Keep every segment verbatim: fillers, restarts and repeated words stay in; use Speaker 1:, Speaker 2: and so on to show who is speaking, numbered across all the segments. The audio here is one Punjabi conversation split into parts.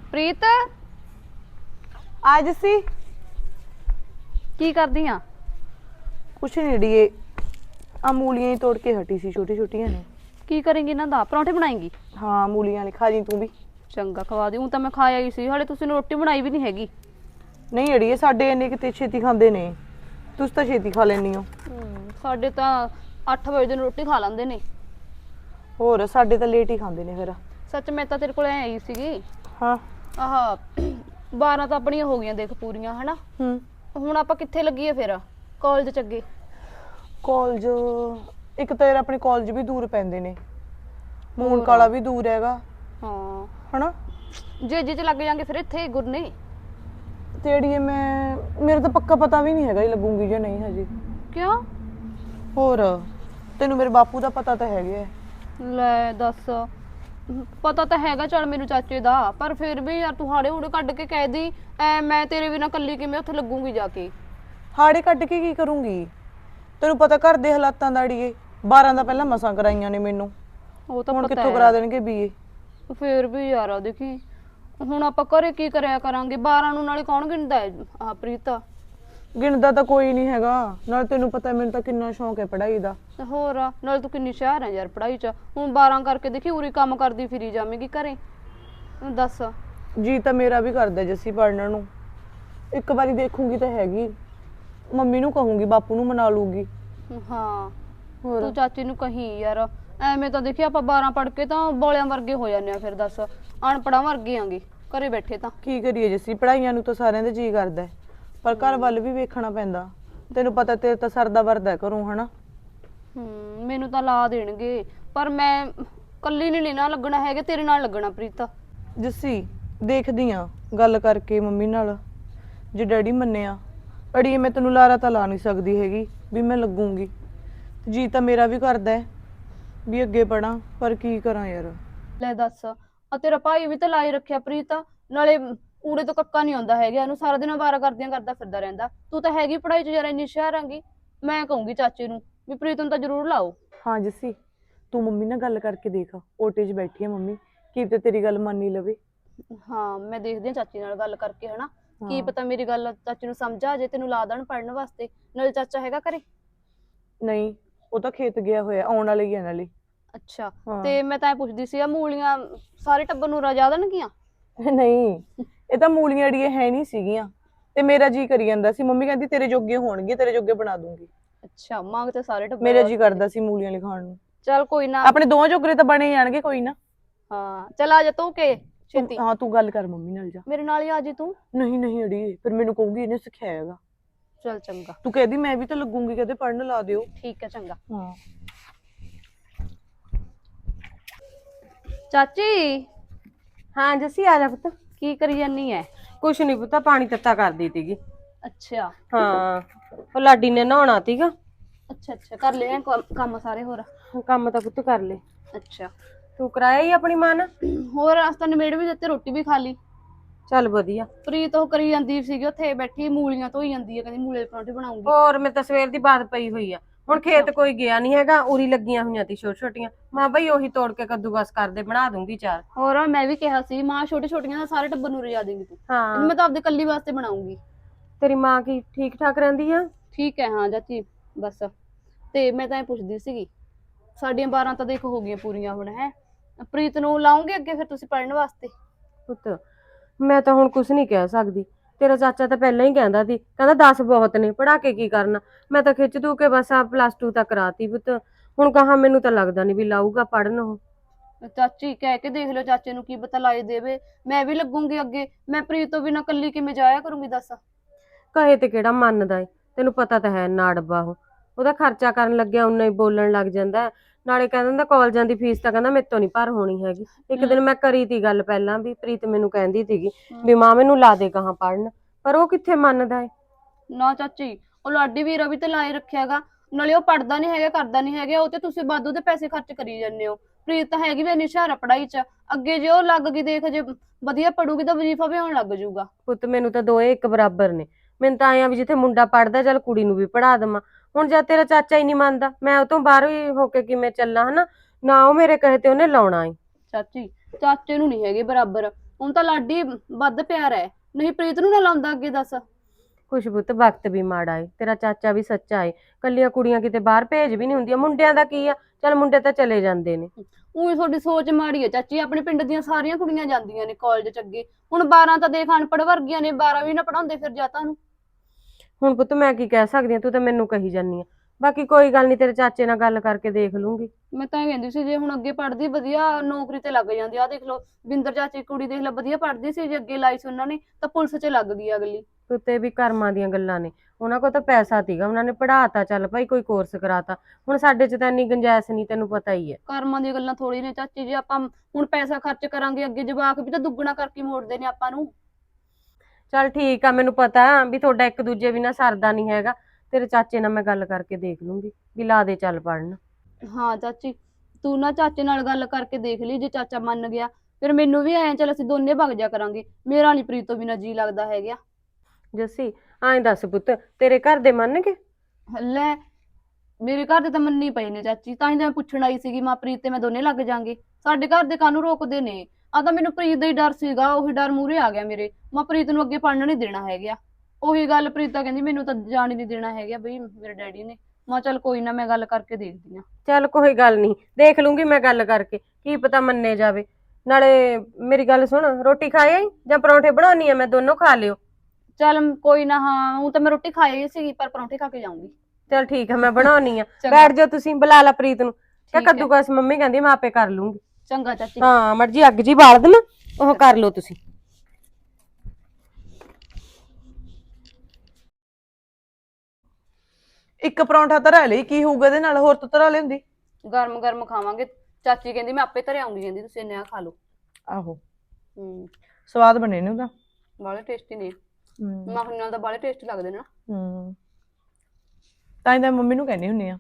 Speaker 1: ਪ੍ਰੀਤ
Speaker 2: आज सी
Speaker 1: ਕੀ ਕਰਦੀ ਆ?
Speaker 2: कुछ नहीं अड़िए आ मूलियां ही तोड़ के हटी सी छोटी छोटियां ने।
Speaker 1: ਕੀ ਕਰੇਂਗੀ ਇਹਨਾਂ ਦਾ ਪਰੌਂਠੇ ਬਣਾਏਂਗੀ?
Speaker 2: हाँ मूलियां ने खा जी तू भी।
Speaker 1: ਚੰਗਾ ਖਵਾ ਦੇ। ਹੁਣ ਤਾਂ ਮੈਂ ਖਾਇਆ ਹੀ ਸੀ, ਹਾਲੇ ਤੁਸੀਂ ਨੇ ਰੋਟੀ ਬਣਾਈ ਵੀ ਨਹੀਂ ਹੈਗੀ।
Speaker 2: नहीं अड़िए साडे इन्ने किते छेती खांदे ने, तुस तां छेती खा लैनी हो।
Speaker 1: ਸਾਡੇ ਤਾਂ ਅੱਠ ਵਜੇ ਦੀ ਰੋਟੀ ਖਾ ਲੈਂਦੇ ਨੇ।
Speaker 2: होर साडे तां लेट ही खांदे ने फिर।
Speaker 1: ਸੱਚ ਮੈਂ ਤਾਂ ਤੇਰੇ ਕੋਲ ਆਈ ਸੀਗੀ।
Speaker 2: हाँ
Speaker 1: ਆਹ ਬਾਰਾਂ ਤਾਂ ਆਪਣੀਆਂ ਹੋ ਗਈਆਂ ਦੇਖ ਪੂਰੀਆਂ ਹਨਾ।
Speaker 2: हम्म
Speaker 1: ਹੁਣ ਆਪਾਂ ਕਿੱਥੇ ਲੱਗੀਏ ਫਿਰ? ਕਾਲਜ ਚ ਅੱਗੇ
Speaker 2: कॉलेज एक तो यार अपने कॉलेज भी दूर पैंदे ने, मून काला भी दूर हैगा
Speaker 1: ਹਾਂ
Speaker 2: हना।
Speaker 1: ਜੇ ਜੇ ਚ ਲੱਗ ਜਾਾਂਗੇ ਫਿਰ ਇੱਥੇ ਗੁਰਨੇ।
Speaker 2: ते अड़िए मैं मेरे तो पक्का पता भी नहीं हैगा ही लगूंगी या नहीं हजे।
Speaker 1: ਕਿਉਂ?
Speaker 2: होर तेनू मेरे बापू दा पता तो हैगा है।
Speaker 1: ਲੈ ਦੱਸ, ਪਤਾ ਤਾਂ ਹੈਗਾ ਚੱਲ ਮੈਨੂੰ ਚਾਚੇ ਦਾ, ਪਰ ਫਿਰ ਵੀ ਯਾਰ ਤੂੰ ਹਾੜੇ ਹੂੜੇ ਕੱਢ ਕੇ ਕਹਿ ਦੀ ਐ ਮੈਂ ਤੇਰੇ ਬਿਨਾ ਕੱਲੀ ਕਿਵੇਂ ਉੱਥੇ ਲੱਗੂਗੀ ਜਾ ਕੇ।
Speaker 2: हाड़े कट के की करूंगी? तेनू पता घर दे हालातां दा अड़िए, बारह दा पहला मसां कराइयां ने मैनू,
Speaker 1: ਉਹ ਤਾਂ
Speaker 2: हुण
Speaker 1: ਪਤਾ
Speaker 2: कित्थों
Speaker 1: ਹੈ।
Speaker 2: करा देणगे बीए।
Speaker 1: ਫਿਰ ਵੀ ਯਾਰ ਆ ਦੇਖੀ ਹੁਣ ਆਪਾਂ ਘਰੇ ਕੀ ਕਰਿਆ ਕਰਾਂਗੇ, ਬਾਰਾਂ ਨੂੰ ਨਾਲੇ ਕੌਣ ਗਿਣਦਾ ਹੈ? ਆ ਪ੍ਰੀਤਾ
Speaker 2: गिणदा ਤਾਂ ਕੋਈ ਨਹੀਂ ਹੈਗਾ, ਨਾਲ ਤੈਨੂੰ ਪਤਾ ਮੈਨੂੰ ਤਾਂ ਕਿੰਨਾ ਸ਼ੌਂਕ ਹੈ ਪੜ੍ਹਾਈ ਦਾ।
Speaker 1: ਤੇ ਹੋਰ ਆ, ਨਾਲੇ ਤੂੰ ਕਿੰਨੀ ਸ਼ਹਿਰ ਹੈ ਯਾਰ ਪੜ੍ਹਾਈ ਚ। ਹੁਣ ਬਾਰਾਂ ਕਰਕੇ ਦੇਖੀ ਉਰੀ ਕੰਮ ਕਰਦੀ ਫਿਰੀ ਜਾਵੇਂਗੀ ਘਰੇ। ਹੁਣ ਦੱਸ।
Speaker 2: ਜੀ ਤਾਂ ਮੇਰਾ ਵੀ ਕਰਦਾ ਜੱਸੀ ਪੜ੍ਹਨ ਨੂੰ, ਇੱਕ ਵਾਰੀ ਦੇਖੂੰਗੀ ਤਾਂ ਹੈਗੀ, ਮੰਮੀ ਨੂੰ ਕਹੂੰਗੀ ਬਾਪੂ ਨੂੰ ਮਨਾ ਲੂਗੀ।
Speaker 1: ਹਾਂ
Speaker 2: ਹੋਰ
Speaker 1: ਤੂੰ ਚਾਚੀ ਨੂੰ ਕਹੀਂ ਯਾਰ, ਐਵੇਂ ਤਾਂ ਦੇਖੀ ਆਪਾਂ ਬਾਰਾਂ ਪੜ੍ਹ ਕੇ ਤਾਂ ਬੋਲਿਆਂ ਵਰਗੇ ਹੋ ਜਾਂਦੇ ਆ। ਫਿਰ ਦੱਸ ਅਨਪੜਾਂ ਵਰਗੇ ਆਂਗੇ ਘਰੇ ਬੈਠੇ ਤਾਂ।
Speaker 2: ਕੀ ਕਰੀਏ ਜੱਸੀ, ਪੜ੍ਹਾਈਆਂ ਨੂੰ ਤਾਂ ਸਾਰਿਆਂ ਦਾ ਜੀ ਕਰਦਾ ਹੈ, ਪਰ ਘਰ ਵੱਲ ਵੀ ਵੇਖਣਾ ਪੈਂਦਾ। ਤੈਨੂੰ ਪਤਾ ਤੇਰੇ ਤਾਂ ਸਰਦਾ ਵਰਦਾ ਘਰੋਂ ਹਨਾ।
Speaker 1: ਹੂੰ ਮੈਨੂੰ ਤਾਂ ਲਾ ਦੇਣਗੇ, ਪਰ ਮੈਂ ਕੱਲੀ ਨੇ ਨਹੀਂ ਨਾ ਲੱਗਣਾ ਹੈਗਾ, ਤੇਰੇ ਨਾਲ ਲੱਗਣਾ ਪ੍ਰੀਤਾ।
Speaker 2: ਜੱਸੀ ਦੇਖਦੀ ਆ ਗੱਲ ਕਰਕੇ ਮੰਮੀ ਨਾਲ, ਜੇ ਡੈਡੀ ਮੰਨਿਆ ਅੜੀਏ ਮੈਂ ਤੈਨੂੰ ਲਾਰਾ ਤਾਂ ਲਾ ਨਹੀਂ ਸਕਦੀ ਹੈਗੀ ਵੀ ਮੈਂ ਲੱਗੂੰਗੀ। ਜੀ ਤਾਂ ਮੇਰਾ ਵੀ ਕਰਦਾ ਹੈ ਵੀ ਅੱਗੇ ਪੜਾਂ, ਪਰ ਕੀ ਕਰਾਂ ਯਾਰ।
Speaker 1: ਲੈ ਦੱਸ, ਆ ਤੇਰਾ ਭਾਈ ਵੀ ਤਾਂ ਲਾਈ ਰੱਖਿਆ ਪ੍ਰੀਤਾ, ਨਾਲੇ ਊੜੇ ਤੋਂ ਕੱਕਾ ਨਹੀਂ ਆਉਂਦਾ ਹੈਗਾ, ਇਹਨੂੰ ਸਾਰਾ ਦਿਨ ਵਾਰਾ ਕਰਦਿਆਂ ਕਰਦਾ ਫਿਰਦਾ ਰਹਿੰਦਾ। ਤੂੰ ਤਾਂ ਹੈਗੀ ਪੜ੍ਹਾਈ 'ਚ ਯਾਰ ਇੰਨੀ ਹੁਸ਼ਿਆਰ ਆਂਗੀ, ਮੈਂ ਕਹੂੰਗੀ ਚਾਚੇ ਨੂੰ ਵੀ ਪ੍ਰੀਤ ਨੂੰ ਤਾਂ ਜ਼ਰੂਰ ਲਾਓ।
Speaker 2: ਹਾਂ ਜੱਸੀ ਤੂੰ ਮੰਮੀ ਨਾਲ ਗੱਲ ਕਰਕੇ ਦੇਖ, ਓਟੇ 'ਚ ਬੈਠੀ ਆ ਮੰਮੀ, ਕੀ ਤੇ ਤੇਰੀ ਗੱਲ ਮੰਨ ਹੀ ਲਵੇ।
Speaker 1: ਹਾਂ ਮੈਂ ਦੇਖਦੀ ਹਾਂ ਚਾਚੀ ਨਾਲ ਗੱਲ ਕਰਕੇ ਹਨਾ, ਕੀ
Speaker 2: ਹਾਂ।
Speaker 1: ਪਤਾ ਮੇਰੀ ਗੱਲ ਚਾਚੀ ਨੂੰ ਸਮਝ ਆ ਜੇ, ਤੈਨੂੰ ਲਾ ਦੇਣ ਪੜ੍ਹਨ ਵਾਸਤੇ। ਨਾਲੇ ਚਾਚਾ ਹੈਗਾ ਘਰੇ?
Speaker 2: ਨਹੀਂ ਉਹ ਤਾਂ ਖੇਤ ਗਿਆ ਹੋਇਆ, ਆਉਣ ਵਾਲੇ ਹੀ ਆ ਨਾਲੇ।
Speaker 1: ਅੱਛਾ
Speaker 2: ਹਾਂ।
Speaker 1: ਤੇ ਮੈਂ ਤਾਂ ਇਹ ਪੁੱਛਦੀ ਸੀ, ਆ ਮੂਲੀਆਂ ਸਾਰੇ ਟੱਬਰ ਨੂੰ ਰਜਾ ਦੇਣਗੀਆਂ?
Speaker 2: ਨਹੀਂ ਇਹ ਤਾਂ ਮੂਲੀਆਂ ਅੜੀਏ ਹੈ ਨਹੀਂ ਸੀਗੀਆਂ, ਤੇ ਮੇਰਾ ਜੀ ਕਰੀ ਜਾਂਦਾ ਸੀ, ਮੰਮੀ ਕਹਿੰਦੀ ਤੇਰੇ ਜੋਗੇ ਹੋਣਗੇ, ਤੇਰੇ ਜੋਗੇ ਬਣਾ ਦੂੰਗੀ।
Speaker 1: ਅੱਛਾ ਮੰਗ ਤੇ ਸਾਰੇ ਟੱਬਰ
Speaker 2: ਮੇਰਾ ਜੀ
Speaker 1: ਵਾਸਤੇ।
Speaker 2: ਕਰਦਾ ਸੀ ਮੂਲੀਆਂ ਲਿਖਾਣ ਨੂੰ।
Speaker 1: ਚੱਲ ਕੋਈ ਨਾ।
Speaker 2: ਆਪਣੇ ਦੋਵਾਂ ਜੋਗਰੇ ਤਾਂ ਬਣੇ ਜਾਣਗੇ ਕੋਈ ਨਾ।
Speaker 1: ਹਾਂ ਚੱਲ ਆ ਜਾ ਤੂੰ ਕੇ
Speaker 2: ਤੂੰ-
Speaker 1: ਛੇਤੀ
Speaker 2: ਹਾਂ ਤੂੰ ਗੱਲ ਕਰ ਮੰਮੀ ਨਾਲ ਜਾ।
Speaker 1: ਮੇਰੇ ਨਾਲ ਹੀ ਆ ਜੀ ਤੂੰ।
Speaker 2: ਨਹੀਂ ਨਹੀਂ ਅੜੀਏ ਫਿਰ ਮੈਨੂੰ ਕਹੂਗੀ ਇਹਨੇ ਸਿਖਾਇਆ ਹੈਗਾ।
Speaker 1: ਚੱਲ ਚੰਗਾ
Speaker 2: ਤੂੰ ਕਹਦੀ ਮੈਂ ਵੀ ਤਾਂ ਲੱਗੂੰਗੀ, ਕਹਦੇ ਪੜਨ ਲਾ ਦਿਓ।
Speaker 1: ਠੀਕ ਹੈ ਚੰਗਾ।
Speaker 2: ਹਾਂ
Speaker 1: ਚਾਚੀ
Speaker 3: ਹਾਂ ਜੱਸੀ ਆ ਜਾ ਪੁੱਤ।
Speaker 1: ਕੀ ਕਰੀ ਜਾਨੀ ਐ?
Speaker 3: ਕੁਛ ਨਹੀਂ ਪੁੱਤ, ਪਾਣੀ ਤੱਤਾ ਕਰਦੀ ਤੀਗੀ।
Speaker 1: ਅੱਛਾ
Speaker 3: ਹਾਂ ਉਹ ਲਾਡੀ ਨੇ ਨਹਾਉਣਾ ਤੀਗਾ।
Speaker 1: ਅੱਛਾ ਅੱਛਾ ਕਰ ਲਿਆ ਕੰਮ ਸਾਰੇ? ਹੋਰ
Speaker 3: ਕੰਮ ਤਾਂ ਪੁੱਤ ਕਰ ਲੈ।
Speaker 1: ਅੱਛਾ
Speaker 3: ਤੂੰ ਕਰਾਇਆ ਹੀ ਆਪਣੀ ਮਾਂ ਨਾਲ?
Speaker 1: ਹੋਰ ਰਸਤਾ ਨਿਬੇੜ ਵੀ ਦਿੱਤੇ, ਰੋਟੀ ਵੀ ਖਾ ਲਈ।
Speaker 3: ਚੱਲ ਵਧੀਆ।
Speaker 1: ਪ੍ਰੀਤ ਉਹ ਕਰੀ ਜਾਂਦੀ ਸੀਗੀ ਉੱਥੇ ਬੈਠੀ, ਮੂਲੀਆਂ ਧੋਈ ਜਾਂਦੀ ਹੈ, ਕਹਿੰਦੀ ਮੂਲੇ ਦੇ ਪਰੌਂਠੇ ਬਣਾਉਂਗੀ।
Speaker 3: ਹੋਰ ਮੈਂ ਤਾਂ ਸਵੇਰ ਦੀ ਬਾਤ ਪਈ ਹੋਈ ਆ, ਹੁਣ ਖੇਤ ਕੋਈ ਗਿਆ ਨਹੀਂ ਹੈਗਾ, ਉਰੀ ਲੱਗੀਆਂ ਹੋਈਆਂ ਤੀ ਛੋਟ ਛੋਟੀਆਂ। ਮਾਂ ਬਈ ਉਹੀ ਤੋੜ ਕੇ ਕੱਦੂਕਸ ਕਰਦੇ ਬਣਾ ਦੂੰਗੀ ਚਾਰ।
Speaker 1: ਹੋਰ ਮੈਂ ਵੀ ਕਿਹਾ ਸੀ ਮਾਂ ਛੋਟੇ ਛੋਟੀਆਂ ਦਾ ਸਾਰੇ ਟੱਬਰ ਨੂੰ ਰਜਾ ਦੇਂਗੀ ਤੂੰ।
Speaker 3: ਹਾਂ
Speaker 1: ਮੈਂ ਤਾਂ ਆਪਦੇ ਕੱਲੀ ਵਾਸਤੇ ਬਣਾਉਂਗੀ।
Speaker 3: ਤੇਰੀ ਮਾਂ ਕੀ ਠੀਕ ਠਾਕ ਰਹਿੰਦੀ ਆ?
Speaker 1: ਠੀਕ ਹੈ ਹਾਂ ਚਾਚੀ ਬਸ। ਤੇ ਮੈਂ ਤਾਂ ਇਹ ਪੁੱਛਦੀ ਸੀਗੀ, ਸਾਡੀਆਂ ਬਾਰਾਂ ਤਾਂ ਦੇਖ ਹੋ ਗਈਆਂ ਪੂਰੀਆਂ ਹੁਣ, ਹੈ ਪ੍ਰੀਤ ਨੂੰ ਲਾਉਂਗੇ ਅੱਗੇ ਫਿਰ ਤੁਸੀਂ ਪੜ੍ਹਨ ਵਾਸਤੇ?
Speaker 3: ਪੁੱਤ ਮੈਂ ਤਾਂ ਹੁਣ ਕੁਛ ਨਹੀਂ ਕਹਿ ਸਕਦੀ, ਤੇਰਾ ਚਾਚਾ ਤਾਂ ਪਹਿਲਾਂ ਹੀ ਕਹਿੰਦਾ ਸੀ, ਕਹਿੰਦਾ ਦਸ ਬਹੁਤ ਨੇ, ਪੜਾ ਕੇ ਕੀ ਕਰਨਾ। ਮੈਂ ਤਾਂ ਖਿੱਚ ਦੂ ਕੇ ਬਸ ਆ ਪਲੱਸ ਟੂ ਤੱਕ ਕਰਾਤੀ ਪੁੱਤ, ਹੁਣ ਕਹਾ ਮੈਨੂੰ ਤਾਂ ਲੱਗਦਾ ਨਹੀਂ ਵੀ ਲਾਊਗਾ ਪੜਨ ਉਹ।
Speaker 1: ਚਾਚੀ ਕਹਿ ਕੇ ਦੇਖ ਲਿਓ ਚਾਚੇ ਨੂੰ, ਕੀ ਪਤਾ ਲਾਈ ਦੇਵੇ। ਮੈਂ ਵੀ ਲੱਗੂੰਗੀ ਅੱਗੇ, ਮੈਂ ਪ੍ਰੀਤ ਤੋਂ ਬਿਨਾਂ ਕੱਲੀ ਕਿਵੇਂ ਜਾਇਆ ਕਰੂੰਗੀ ਦੱਸ।
Speaker 3: ਕਹੇ ਤੇ ਕਿਹੜਾ ਮੰਨਦਾ ਏ, ਤੈਨੂੰ ਪਤਾ ਤਾਂ ਹੈ ਨਾ ਡੱਬਾ ਉਹ, ਉਹਦਾ ਖਰਚਾ ਕਰਨ ਲੱਗਿਆ ਉਨਾ ਹੀ ਬੋਲਣ ਲੱਗ ਜਾਂਦਾ। ਨਾਲੇ ਕਹਿ ਦਿੰਦਾ ਕਾਲਜਾਂ ਦੀ ਫੀਸ ਤਾਂ ਕਹਿੰਦਾ ਮੇਰੇ ਤੋਂ ਨਹੀਂ ਭਰ ਹੋਣੀ ਹੈਗੀ। ਇੱਕ ਦਿਨ ਮੈਂ ਕਰੀ ਤੀ ਗੱਲ ਪਹਿਲਾਂ ਵੀ, ਪ੍ਰੀਤ ਮੈਨੂੰ ਕਹਿੰਦੀ ਸੀਗੀ ਵੀ ਮਾਂ ਮੈਨੂੰ ਲਾ ਦੇ ਕਹਾਂ ਪੜਨ, ਪਰ ਉਹ ਕਿੱਥੇ ਮੰਨਦਾ ਏ।
Speaker 1: ਨਾ ਚਾਚੀ ਉਹ ਲਾਡੀ ਵੀਰਾ ਵੀ ਤੇ ਲਾਏ ਰੱਖਿਆਗਾ, ਨਾਲੇ ਉਹ ਪੜਦਾ ਨਹੀਂ ਹੈਗਾ ਕਰਦਾ ਨਹੀਂ ਹੈਗਾ, ਉਹ ਤੇ ਤੁਸੀਂ ਵਾਧੂ ਦੇ ਪੈਸੇ ਖਰਚ ਕਰੀ ਜਾਂਦੇ ਹੋ। ਪ੍ਰੀਤ ਤਾਂ ਹੈਗੀ ਵੀ ਇੰਨੀ ਹੁਸ਼ਿਆਰ ਪੜਾਈ ਚ, ਅੱਗੇ ਜੇ ਉਹ ਲੱਗ ਗਈ ਦੇਖ, ਜੇ ਵਧੀਆ ਪੜੂਗੀ ਤਾਂ ਵਜ਼ੀਫਾ ਵੀ ਆਉਣ ਲੱਗ ਜਾਊਗਾ।
Speaker 3: ਪੁੱਤ ਮੈਨੂੰ ਤਾਂ ਦੋਏ ਇੱਕ ਬਰਾਬਰ ਨੇ, ਮੈਨੂੰ ਤਾਂ ਆਇਆ ਵੀ ਜਿੱਥੇ ਮੁੰਡਾ ਪੜਦਾ ਚੱਲ ਕੁੜੀ ਨੂੰ ਵੀ ਪੜਾ ਦੇਵਾਂ। ਹੁਣ ਜਦ ਤੇਰਾ ਚਾਚਾ ਹੀ ਨਹੀਂ ਮੰਨਦਾ, ਮੈਂ ਉਹ ਤੋਂ ਬਾਹਰੋਂ ਹੀ ਹੋ ਕੇ ਕਿਵੇਂ ਚੱਲਾਂ ਹਨਾ। ਨਾ ਉਹ ਮੇਰੇ ਕਹੇ ਤੇ ਉਹਨੇ ਲਾਉਣਾ ਏ।
Speaker 1: ਚਾਚੀ ਚਾਚੇ ਨੂੰ ਨਹੀਂ ਹੈਗੇ ਬਰਾਬਰ, ਹੁਣ ਤਾਂ ਲਾਡੀ ਵੱਧ ਪਿਆਰ ਹੈ, ਨਹੀਂ ਪ੍ਰੀਤ ਨੂੰ ਨਾ ਲਾਉਂਦਾ ਅੱਗੇ ਦੱਸ।
Speaker 3: ਖੁਸ਼ਬੂ ਤੇ ਵਕਤ ਵੀ ਮਾੜਾ ਏ, ਤੇਰਾ ਚਾਚਾ ਵੀ ਸੱਚਾ ਏ। ਕੱਲੀਆਂ ਕੁੜੀਆਂ ਕਿਤੇ ਬਾਹਰ ਭੇਜ ਵੀ ਨਹੀਂ ਹੁੰਦੀਆਂ, ਮੁੰਡਿਆਂ ਦਾ ਕੀ ਆ, ਚੱਲ ਮੁੰਡੇ ਤਾਂ ਚਲੇ ਜਾਂਦੇ ਨੇ।
Speaker 1: ਉਹੀ ਤੁਹਾਡੀ ਸੋਚ ਮਾੜੀ ਹੈ ਚਾਚੀ, ਆਪਣੇ ਪਿੰਡ ਦੀਆਂ ਸਾਰੀਆਂ ਕੁੜੀਆਂ ਜਾਂਦੀਆਂ ਨੇ ਕਾਲਜ ਚ ਅੱਗੇ। ਹੁਣ ਬਾਰਾਂ ਤਾਂ ਦੇਖ ਅਨਪੜ੍ਹ ਵਰਗੀਆਂ ਨੇ, ਬਾਰਾਂ ਵੀ ਨਾ ਪੜਾਉਂਦੇ ਫਿਰ ਜਾਤਾਂ ਨੂੰ।
Speaker 3: ਹੁਣ ਪੁੱਤ ਮੈਂ ਕੀ ਕਹਿ ਸਕਦੀ ਆ, ਤੂੰ ਤਾਂ ਮੈਨੂੰ ਕਹੀ ਜਾਨੀ ਆ। ਬਾਕੀ ਕੋਈ ਗੱਲ ਨਹੀਂ, ਤੇਰੇ ਚਾਚੇ ਨਾਲ ਗੱਲ ਕਰਕੇ ਦੇਖ ਲੂੰਗੀ।
Speaker 1: ਮੈਂ ਤਾਂ ਇਹ ਕਹਿੰਦੀ ਸੀ ਜੇ ਹੁਣ ਅੱਗੇ ਪੜ੍ਹਦੀ ਵਧੀਆ ਨੌਕਰੀ ਤੇ ਲੱਗ ਜਾਂਦੀ ਆ। ਦੇਖ ਲਓ ਬਿੰਦਰ ਚਾਚੀ ਕੁੜੀ ਦੇਖ ਲੈ ਵਧੀਆ ਪੜ੍ਹਦੀ ਸੀ, ਜੇ ਅੱਗੇ ਲਾਈ ਸੀ ਉਹਨਾਂ ਨੇ ਤਾਂ ਪੁਲਿਸ 'ਚ ਲੱਗ ਗਈ ਅਗਲੀ।
Speaker 3: ਤੇ ਵੀ ਕਰਮਾਂ ਦੀਆਂ ਗੱਲਾਂ ਨੇ, ਉਹਨਾਂ ਕੋਲ ਤਾਂ ਪੈਸਾ ਤੀਗਾ, ਉਹਨਾਂ ਨੇ ਪੜਾਤਾ, ਚੱਲ ਭਾਈ ਕੋਈ ਕੋਰਸ ਕਰਾਤਾ। ਹੁਣ ਸਾਡੇ 'ਚ ਤਾਂ ਇੰਨੀ ਗੁੰਜਾਇਸ਼ ਨਹੀਂ, ਤੈਨੂੰ ਪਤਾ ਹੀ ਹੈ।
Speaker 1: ਕਰਮਾਂ ਦੀਆਂ ਗੱਲਾਂ ਥੋੜੀ ਨੇ ਚਾਚੀ, ਜੇ ਆਪਾਂ ਹੁਣ ਪੈਸਾ ਖਰਚ ਕਰਾਂਗੇ ਅੱਗੇ ਜਵਾਕ ਵੀ ਤਾਂ ਦੁੱਗਣਾ ਕਰਕੇ ਮੋੜਦੇ ਨੇ ਆਪਾਂ ਨੂੰ।
Speaker 3: ਚੱਲ ਠੀਕ ਆ, ਮੈਨੂੰ ਪਤਾ ਵੀ ਤੁਹਾਡਾ ਇੱਕ ਦੂਜੇ ਬਿਨਾਂ ਸਰਦਾ ਨਹੀਂ ਹੈਗਾ। ਤੇਰੇ ਚਾਚੇ ਨਾਲ ਮੈਂ ਗੱਲ ਕਰਕੇ ਦੇਖ ਲੂੰਗੀ ਵੀ ਲਾ ਦੇ ਚੱਲ ਪੜਨ।
Speaker 1: ਹਾਂ ਚਾਚੀ, ਤੂੰ ਨਾ ਚਾਚੇ ਨਾਲ ਗੱਲ ਕਰਕੇ ਦੇਖ ਲਈ, ਜੇ ਚਾਚਾ ਮੰਨ ਗਿਆ ਫਿਰ ਮੈਨੂੰ ਵੀ ਐਂ ਚੱਲ ਅਸੀਂ ਦੋਨੇ ਵਗ ਜਾ ਕਰਾਂਗੇ। ਮੇਰਾ ਨੀ ਪ੍ਰੀਤ ਤੋਂ ਬਿਨਾਂ ਜੀ ਲੱਗਦਾ ਹੈਗਾ।
Speaker 3: ਜੱਸੀ ਐਂ ਦੱਸ ਪੁੱਤ, ਤੇਰੇ ਘਰ ਦੇ ਮੰਨ ਗਏ?
Speaker 1: ਲੈ ਮੇਰੇ ਘਰ ਦੇ ਤਾਂ ਮੰਨੀ ਪਏ ਨੇ ਚਾਚੀ, ਤਾਂ ਹੀ ਤਾਂ ਮੈਂ ਪੁੱਛਣ ਆਈ ਸੀਗੀ। ਮਾਂ ਪ੍ਰੀਤ ਤੇ ਮੈਂ ਦੋਨੇ ਲੱਗ ਜਾਾਂਗੇ। ਸਾਡੇ ਘਰ ਦੇ ਕਾਹਨੂੰ ਰੋਕਦੇ ਨੇ? ਆ ਤਾਂ ਮੈਨੂੰ ਪ੍ਰੀਤ ਦਾ ਹੀ ਡਰ ਸੀਗਾ, ਉਹੀ ਡਰ ਮੂਹਰੇ ਆ ਗਿਆ ਮੇਰੇ। ਮੈਂ ਪ੍ਰੀਤ ਨੂੰ ਅੱਗੇ ਪੜਨ ਨਹੀਂ ਦੇਣਾ ਹੈਗਾ। ਉਹੀ ਗੱਲ ਪ੍ਰੀਤ ਤਾਂ ਕਹਿੰਦੀ ਮੈਨੂੰ ਤਾਂ ਜਾਣ ਹੀ ਨਹੀਂ ਦੇਣਾ ਹੈਗਾ ਬਈ ਮੇਰੇ ਡੈਡੀ ਨੇ। ਮੈਂ ਚੱਲ ਕੋਈ ਨਾ, ਮੈਂ ਗੱਲ ਕਰਕੇ ਦੇਖਦੀ ਆ।
Speaker 3: ਚੱਲ ਕੋਈ ਗੱਲ ਨਹੀਂ, ਦੇਖ ਲੂੰਗੀ ਮੈਂ ਗੱਲ ਕਰਕੇ, ਕੀ ਪਤਾ ਮੰਨੇ ਜਾਵੇ। ਨਾਲੇ ਮੇਰੀ ਗੱਲ ਸੁਣ, ਰੋਟੀ ਖਾਏ ਆਈ ਜਾਂ ਪਰੌਂਠੇ ਬਣਾਉਣੀ ਆ ਮੈਂ, ਦੋਨੋਂ ਖਾ ਲਿਓ।
Speaker 1: ਚੱਲ ਕੋਈ ਨਾ, ਹਾਂ ਉਹ ਤਾਂ ਮੈਂ ਰੋਟੀ ਖਾਈ ਸੀਗੀ ਪਰ ਪਰੌਂਠੇ ਖਾ ਕੇ ਜਾਊਂਗੀ।
Speaker 3: ਚੱਲ ਠੀਕ ਆ, ਮੈਂ ਬਣਾਉਣੀ ਆ। ਬੈਠ ਜਾਓ ਤੁਸੀਂ, ਬੁਲਾ ਲਾ ਪ੍ਰੀਤ ਨੂੰ। ਕਿਆ
Speaker 1: ਠੀਕ ਹੈ।
Speaker 3: ਕੱਦੂਕਸ ਮੰਮੀ ਕਹਿੰਦੀ ਮੈਂ ਆਪੇ ਕਰ ਲੂੰਗੀ।
Speaker 1: ਚੰਗਾ ਚਾਚੀ।
Speaker 3: ਹਾਂ ਮਰਜੀ ਅੱਗ ਜੀ ਬਾਲ ਦੇਣਾ, ਉਹ ਕਰ ਲਓ ਤੁਸੀਂ।
Speaker 2: ਇੱਕ ਪਰੌਂਠਾ ਧਰਾ ਲਈ, ਕੀ ਹੋਊਗਾ ਇਹਦੇ ਨਾਲ? ਹੋਰ ਤਾਂ ਧਰਾ ਲੈਂਦੀ।
Speaker 1: ਗਰਮ ਗਰਮ ਖਾਵਾਂਗੇ। ਚਾਚੀ ਕਹਿੰਦੀ ਮੈਂ ਆਪੇ ਧਰੇ ਆਉਂਗੀ, ਕਹਿੰਦੀ ਤੁਸੀਂ ਇੰਨੇ ਆ ਖਾ ਲਓ।
Speaker 2: ਆਹੋ
Speaker 1: ਹੂੰ
Speaker 2: ਸਵਾਦ ਬਣੇ ਨੇ ਉਹਦਾ।
Speaker 1: ਬਾਲੇ ਟੇਸਟੀ ਨੇ,
Speaker 2: ਹੂੰ
Speaker 1: ਮੱਖਣੀ ਨਾਲ ਤਾਂ ਬਾਲੇ ਟੇਸਟੀ ਲੱਗਦੇ ਨੇ ਨਾ।
Speaker 2: ਹੂੰ ਤਾਂ ਹੀ ਤਾਂ ਮੰਮੀ ਨੂੰ ਕਹਿੰਦੀ ਹੁੰਨੀ ਆ।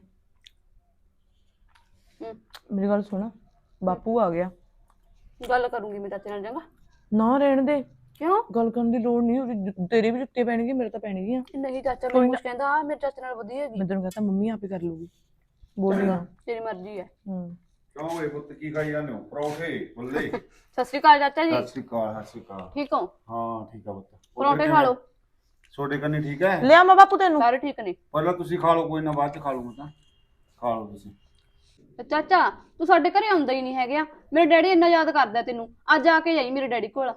Speaker 1: ਹੂੰ
Speaker 2: ਮੇਰੀ ਗੱਲ ਸੁਣ, ਬਾਪੂ ਆ ਗਿਆ।
Speaker 1: ਗੱਲ ਕਰੂੰਗੀ ਮੈਂ ਚਾਚੇ ਨਾਲ, ਚੰਗਾ?
Speaker 2: ਨਾ ਰਹਿਣ ਦੇ,
Speaker 1: ਕਿਉਂ?
Speaker 2: ਗੱਲ ਕਰਨ ਦੀ ਲੋੜ ਨਹੀਂ। ਉਹਦੀ ਤੇਰੇ ਵੀ ਜੁੱਤੇ ਪੈਣਗੇ, ਮੇਰੇ ਤਾਂ ਪੈਣਗੀਆਂ।
Speaker 1: ਨਹੀਂ ਚਾਚਾ ਮੈਨੂੰ ਕੁਛ ਕਹਿੰਦਾ, ਆ ਮੇਰੇ ਚਾਚੇ ਨਾਲ ਵਧੀਆ ਹੈਗੀ।
Speaker 2: ਮੈਂ ਤੈਨੂੰ ਕਹਤਾ ਮੰਮੀ ਆਪੇ ਕਰ ਲੂਗੀ, ਬੋਲੀ ਨਾ।
Speaker 1: ਤੇਰੀ ਮਰਜ਼ੀ ਹੈ।
Speaker 2: ਹੂੰ
Speaker 4: ਕਿਉਂ ਓਏ ਪੁੱਤ ਕੀ ਖਾਈ ਜਾਂਦੇ ਹੋ? ਪਰੌਂਠੇ ਬੱਲੇ।
Speaker 1: ਸਤਿ ਸ਼੍ਰੀ ਅਕਾਲ ਚਾਚਾ ਜੀ।
Speaker 4: ਸਤਿ ਸ਼੍ਰੀ ਅਕਾਲ, ਸਤਿ ਸ਼੍ਰੀ ਅਕਾਲ।
Speaker 1: ਠੀਕ ਹੋ?
Speaker 4: ਹਾਂ ਠੀਕ ਆ ਪੁੱਤ।
Speaker 1: ਪਰੌਂਠੇ ਖਾ ਲਓ।
Speaker 4: ਛੋਟੇ ਕੰਨੀ ਠੀਕ ਹੈ?
Speaker 2: ਲਿਆ ਮੈਂ ਬਾਪੂ ਤੈਨੂੰ।
Speaker 1: ਸਾਰੇ ਠੀਕ ਨੇ।
Speaker 4: ਪਹਿਲਾਂ ਤੁਸੀਂ ਖਾ ਲਓ, ਕੋਈ ਨਾ ਬਾਅਦ ਚ ਖਾ ਲੂੰਗਾ। ਤਾਂ ਖਾ ਲਓ ਤੁਸੀਂ।
Speaker 1: ਤੇ ਚਾਚਾ ਤੂੰ ਸਾਡੇ ਘਰੇ ਆਉਂਦਾ ਹੀ ਨਹੀਂ ਹੈਗਾ। ਮੇਰੇ ਡੈਡੀ ਇੰਨਾ ਯਾਦ ਕਰਦਾ ਤੈਨੂੰ, ਅੱਜ ਆ ਕੇ ਜਾਈ ਮੇਰੇ ਡੈਡੀ ਕੋਲ।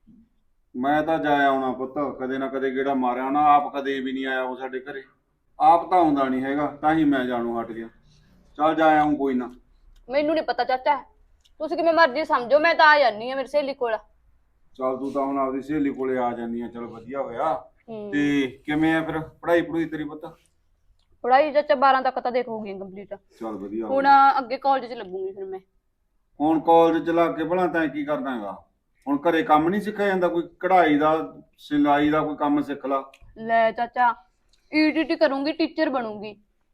Speaker 4: ਮੈਂ ਤਾਂ ਜਾ ਆਉਣਾ ਪੁੱਤ, ਕਦੇ ਨਾ ਕਦੇ ਗੇੜਾ ਮਾਰਿਆ ਹੋਣਾ। ਆਪ ਕਦੇ ਵੀ ਨਹੀਂ ਆਇਆ ਉਹ ਸਾਡੇ ਘਰੇ, ਆਪ ਤਾਂ ਆਉਂਦਾ ਨਹੀਂ ਹੈਗਾ, ਤਾਂ ਹੀ ਮੈਂ ਜਾਣੂ ਹਟ ਗਿਆ। ਚੱਲ ਜਾ ਆਉਂ ਕੋਈ ਨਾ।
Speaker 1: ਮੈਨੂੰ ਨਹੀਂ ਪਤਾ ਚਾਚਾ, ਤੁਸੀਂ ਕਿਵੇਂ ਮਰਜ਼ੀ ਸਮਝੋ, ਮੈਂ ਤਾਂ ਆ ਜਾਨੀ ਆ ਮੇਰੀ ਸਹੇਲੀ ਕੋਲ।
Speaker 4: ਚੱਲ ਤੂੰ ਤਾਂ ਹੁਣ ਆਪਦੀ ਸਹੇਲੀ ਕੋਲੇ ਆ ਜਾਂਦੀ ਆ, ਚਲ ਵਧੀਆ ਹੋਇਆ।
Speaker 1: ਹੂੰ
Speaker 4: ਤੇ ਕਿਵੇਂ ਆ ਫਿਰ ਪੜ੍ਹਾਈ ਪੜੂਈ ਤੇਰੀ ਪੁੱਤ?
Speaker 1: ਪੜ੍ਹਾਈ ਚਾਚਾ ਬਾਰਾਂ ਤੱਕ ਤਾਂ ਦੇਖ ਹੋ ਗਈ ਕੰਪਲੀਟ।
Speaker 4: ਚੱਲ ਵਧੀਆ
Speaker 1: ਹੁਣ
Speaker 4: ਹੋਇਆ।
Speaker 1: ਅੱਗੇ ਕਾਲਜ 'ਚ ਲੱਗੂਗੀ ਫਿਰ ਮੈਂ।
Speaker 4: ਹੁਣ ਕਾਲਜ ਚ ਲੱਗ ਕੇ ਭਲਾ ਤੈਂ ਕੀ ਕਰਨਾ ਹੈਗਾ? ਹੁਣ ਘਰੇ ਕੰਮ ਨਹੀਂ ਸਿੱਖਿਆ ਜਾਂਦਾ? ਕੋਈ ਕਢਾਈ ਦਾ, ਸਿਲਾਈ ਦਾ ਕੋਈ ਕੰਮ ਸਿੱਖ ਲਾ।
Speaker 1: ਲੈ ਚਾਚਾ ਈਟੀਟੀ ਕਰੂੰਗੀ, ਟੀਚਰ ਬਣੂੰਗੀ।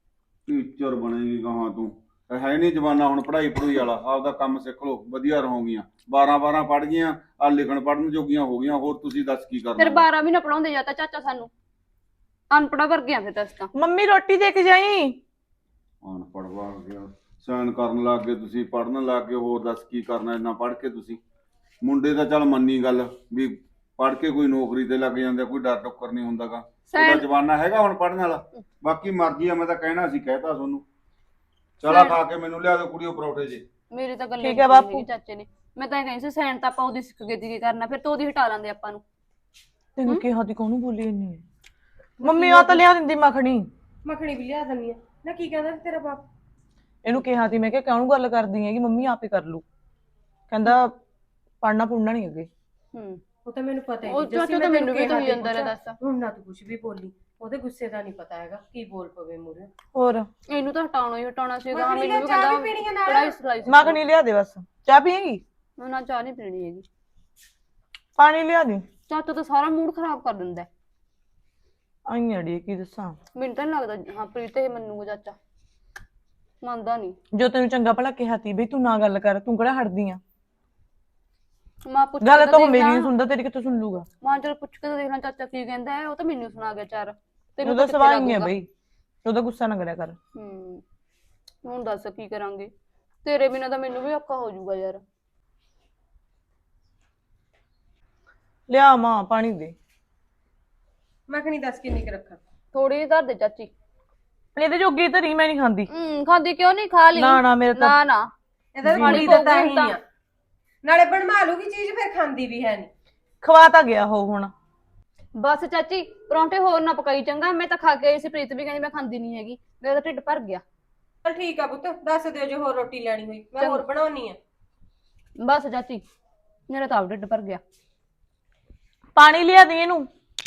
Speaker 4: ਟੀਚਰ ਬਣੇਗੀ ਗਾਹਾਂ ਤੂੰ? ਹੈ ਨਹੀਂ ਜਮਾਨਾ ਹੁਣ ਪੜ੍ਹਾਈ ਪੜੂਈ ਵਾਲਾ, ਆਪਦਾ ਕੰਮ ਸਿੱਖ ਲਓ, ਵਧੀਆ ਰਹੋਗੀਆਂ। ਬਾਰਾਂ ਬਾਰਾਂ ਪੜ੍ਹ ਗਈਆਂ, ਆ ਲਿਖਣ ਪੜ੍ਹਨ ਜੋਗੀਆਂ ਹੋ ਗਈਆਂ, ਹੋਰ ਤੁਸੀਂ ਦੱਸ ਕੀ ਕਰਨਾ?
Speaker 1: ਫਿਰ ਬਾਰਾਂ ਵੀ ਨਾ ਪੜਾਉਂਦੇ ਜਾਂਦਾ ਚਾਚਾ ਸਾਨੂੰ, ਅਨਪੜਾ ਵਰਗਿਆਂ ਫਿਰ ਦੱਸ ਤਾਂ।
Speaker 2: ਮੰਮੀ ਰੋਟੀ ਦੇ ਕੇ ਜਾਈ।
Speaker 4: ਅਨਪੜ੍ਹ ਵਾ ਗਿਆ, ਸਾਈਨ ਕਰਨ ਲੱਗ ਗਏ ਤੁਸੀਂ, ਪੜ੍ਹਨ ਲੱਗ ਗਏ, ਹੋਰ ਦੱਸ ਕੀ ਕਰਨਾ ਇੰਨਾ ਪੜ੍ਹ ਕੇ ਤੁਸੀਂ? ਮੁੰਡੇ ਤਾਂ ਚੱਲ ਮੰਨੀ ਗੱਲ ਵੀ ਪੜ੍ਹ ਕੇ ਕੋਈ ਨੌਕਰੀ ਤੇ ਲੱਗ ਜਾਂਦੇ, ਕੋਈ ਡਰ ਟੱਕਰ ਨਹੀਂ ਹੁੰਦਾਗਾ। ਉਹਦਾ ਜਮਾਨਾ ਹੈਗਾ ਹੁਣ ਪੜ੍ਹਨ ਵਾਲਾ। ਬਾਕੀ ਮਰਜ਼ੀ ਆ, ਮੈਂ ਤਾਂ ਕਹਿਣਾ ਸੀ ਕਹਿਤਾ ਤੁਹਾਨੂੰ। ਚਲਾ ਖਾ ਕੇ ਮੈਨੂੰ ਲਿਆ ਦਿਓ ਕੁੜੀਓ ਪਰੌਠੇ ਜੇ।
Speaker 1: ਮੇਰੀ ਤਾਂ ਗੱਲ
Speaker 2: ਠੀਕ ਹੈ ਬਾਪੂ।
Speaker 1: ਚਾਚੇ ਨੇ, ਮੈਂ ਤਾਂ ਕਹੀ ਸੀ ਸੈਨ ਤਾਂ ਆਪਾਂ ਉਹਦੀ ਸਿੱਖ ਗਏ ਕੀ ਕਰਨਾ, ਫਿਰ ਤੋਂ ਉਹਦੀ ਹਟਾ ਲਾਂਦੇ ਆਪਾਂ ਨੂੰ।
Speaker 2: ਤੈਨੂੰ ਕਿਹਾ ਦੀ ਕਾਹਨੂੰ ਬੋਲੀ ਇੰਨੀ? ਮੰਮੀ ਆ ਤਾਂ ਲਿਆ ਦਿੰਦੀ ਮੱਖਣੀ।
Speaker 3: ਮੱਖਣੀ ਵੀ ਲਿਆ ਦਨੀ ਆ ਨਾ। ਕੀ ਕਹਿੰਦਾ ਤੇਰਾ ਬਾਪ?
Speaker 2: ਇਹਨੂੰ ਕਿਹਾ ਸੀ ਮੈਂ, ਕਿਹਾ ਕਾਹਨੂੰ ਗੱਲ ਕਰਦੀ ਹੈਗੀ, ਮੰਮੀ ਆਪੇ ਕਰ ਲੂ। ਕਹਿੰਦਾ ਪੜਨਾ ਪੁੜਨਾ ਨਹੀਂ ਅੱਗੇ।
Speaker 1: ਹੂੰ
Speaker 3: ਉਹ ਤਾਂ ਮੈਨੂੰ ਪਤਾ ਹੀ
Speaker 1: ਉਹ
Speaker 3: ਨਹੀਂ।
Speaker 1: ਚਾਚਾ ਤਾਂ ਮੈਨੂੰ ਵੀ ਕਹੀ ਜਾਂਦਾ ਰਿਹਾ ਦੱਸ।
Speaker 3: ਹੁਣ ਨਾ ਤੂੰ ਕੁਝ ਵੀ ਬੋਲੀ, ਉਹਦੇ ਗੁੱਸੇ ਦਾ ਨਹੀਂ ਪਤਾ ਹੈਗਾ, ਕੀ ਬੋਲ ਪਵੇ ਮੂਰੇ।
Speaker 2: ਹੋਰ
Speaker 1: ਇਹਨੂੰ ਤਾਂ ਹਟਾਉਣਾ ਹੀ ਹਟਾਉਣਾ ਸੀਗਾ।
Speaker 3: ਮੱਖਣੀ
Speaker 1: ਮੈਨੂੰ ਵੀ
Speaker 3: ਲਿਆ, ਚਾਹ
Speaker 1: ਕਹਿੰਦਾ
Speaker 3: ਵੀ ਪੀਣੀ ਆ ਨਾਲ?
Speaker 1: ਪੜਾਈ ਸਲਾਈ
Speaker 2: ਮੱਖਣੀ ਲਿਆ ਦੇ ਬਸ। ਚਾਹ ਪੀਏਗੀ?
Speaker 1: ਨਾ ਚਾਹ ਨਹੀਂ ਪੀਣੀ ਹੈਗੀ।
Speaker 2: ਪਾਣੀ ਲਿਆ ਦੇ।
Speaker 1: ਚਾਚਾ ਤਾਂ ਸਾਰਾ ਮੂਡ ਖਰਾਬ ਕਰ ਦਿੰਦਾ।
Speaker 2: ਆਈ ਅੜੀ ਕੀ ਦੱਸਾਂ,
Speaker 1: ਮੈਨੂੰ ਤਾਂ ਨੀ ਲੱਗਦਾ ਹਾਂ ਪ੍ਰੀਤ ਇਹ ਮੰਨੂਗਾ ਚਾਚਾ, ਮੰਨਦਾ ਨਹੀਂ।
Speaker 2: ਜੋ ਤੈਨੂੰ ਚੰਗਾ ਭਲਾ ਕਿਹਾ ਤੀ ਬਈ ਤੂੰ ਨਾ ਗੱਲ ਕਰ, ਤੂੰ ਕਿਹੜਾ ਹਟਦੀ ਆ?
Speaker 1: ਮਾਂ ਪੁੱਛ
Speaker 2: ਗੱਲ
Speaker 1: ਕੇ
Speaker 2: ਤਾਂ ਉਹ
Speaker 1: ਦੇਖ
Speaker 2: ਮੇਰੀ
Speaker 1: ਲਾ।
Speaker 2: ਨਹੀਂ ਸੁਣਦਾ, ਤੇਰੀ ਕਿੱਥੋਂ ਸੁਣ ਲੂਗਾ?
Speaker 1: ਮਾਂ ਚਲ ਪੁੱਛ ਕੇ ਤਾਂ ਦੇਖਣਾ ਚਾਚਾ ਕੀ ਕਹਿੰਦਾ ਹੈ। ਉਹ ਤਾਂ ਮੈਨੂੰ ਸੁਣਾ ਗਿਆ ਚਾਰ, ਤੈਨੂੰ
Speaker 2: ਉਹਦਾ
Speaker 1: ਤਾਂ
Speaker 2: ਸਵਾਲ
Speaker 1: ਕਿੱਥੇ
Speaker 2: ਹੀ ਹੈ
Speaker 1: ਲੱਗੂਗਾ।
Speaker 2: ਬਈ, ਉਹਦਾ ਗੁੱਸਾ ਨਾ ਕਰਿਆ ਕਰ।
Speaker 1: ਹੂੰ ਹੁਣ ਦੱਸ ਕੀ ਕਰਾਂਗੇ, ਤੇਰੇ ਬਿਨਾਂ ਤਾਂ ਮੈਨੂੰ ਵੀ ਔਖਾ ਹੋ ਜਾਊਗਾ ਯਾਰ।
Speaker 2: ਲਿਆ ਮਾਂ ਪਾਣੀ ਦੇ।
Speaker 3: ਮੈਂ ਕਿਹਾ ਨਹੀਂ ਦੱਸ ਕਿੰਨੀ ਕੁ ਰੱਖਾਂ।
Speaker 1: ਥੋੜੀ ਜਿਹੀ ਧਰ ਦੇ ਚਾਚੀ।
Speaker 2: ਇਹਦੇ ਜੋਗੀ ਤਾਂ ਨਹੀਂ, ਮੈਂ ਨਹੀਂ ਖਾਂਦੀ।
Speaker 1: ਹੂੰ ਖਾਂਦੀ ਕਿਉਂ ਨਹੀਂ, ਖਾ ਲਈ।
Speaker 2: ਨਾ ਨਾ ਮੇਰੇ ਤਾਂ
Speaker 1: ਨਾ ਨਾ
Speaker 3: ਇਹਦਾ
Speaker 1: ਪਾਣੀ
Speaker 3: ਕੁੜੀ ਦਾ ਤਾਂ
Speaker 1: ਪਊਗੀ
Speaker 3: ਹੀ
Speaker 1: ਤਾਂ।
Speaker 3: ਆ, ਨਾਲੇ ਬਣਵਾ ਲੂਗੀ ਚੀਜ਼ ਫਿਰ ਖਾਂਦੀ ਵੀ ਹੈ ਨਹੀਂ।
Speaker 2: ਖਵਾ ਤਾਂ ਗਿਆ ਹੋ ਹੁਣ।
Speaker 1: ਬਸ ਚਾਚੀ ਪਰੌਂਠੇ ਹੋਰ ਨਾ ਪਕਾਈ ਚੰਗਾ, ਮੈਂ ਤਾਂ ਖਾ ਕੇ ਆਈ ਸੀ। ਪ੍ਰੀਤ ਵੀ ਕਹਿੰਦੀ ਮੈਂ ਖਾਂਦੀ ਨਹੀਂ ਹੈਗੀ, ਮੇਰਾ ਤਾਂ ਢਿੱਡ ਭਰ ਗਿਆ।
Speaker 3: ਚਲ ਠੀਕ ਆ ਪੁੱਤ, ਦੱਸ ਦਿਓ ਜੇ ਹੋਰ ਰੋਟੀ ਲੈਣੀ ਹੋਈ, ਮੈਂ ਹੋਰ ਬਣਾਉਣੀ ਆ।
Speaker 1: ਬਸ ਚਾਚੀ ਮੇਰਾ ਤਾਂ ਆਪ ਢਿੱਡ ਭਰ ਗਿਆ।
Speaker 2: ਪਾਣੀ ਲਿਆ ਦੇ ਇਹਨੂੰ।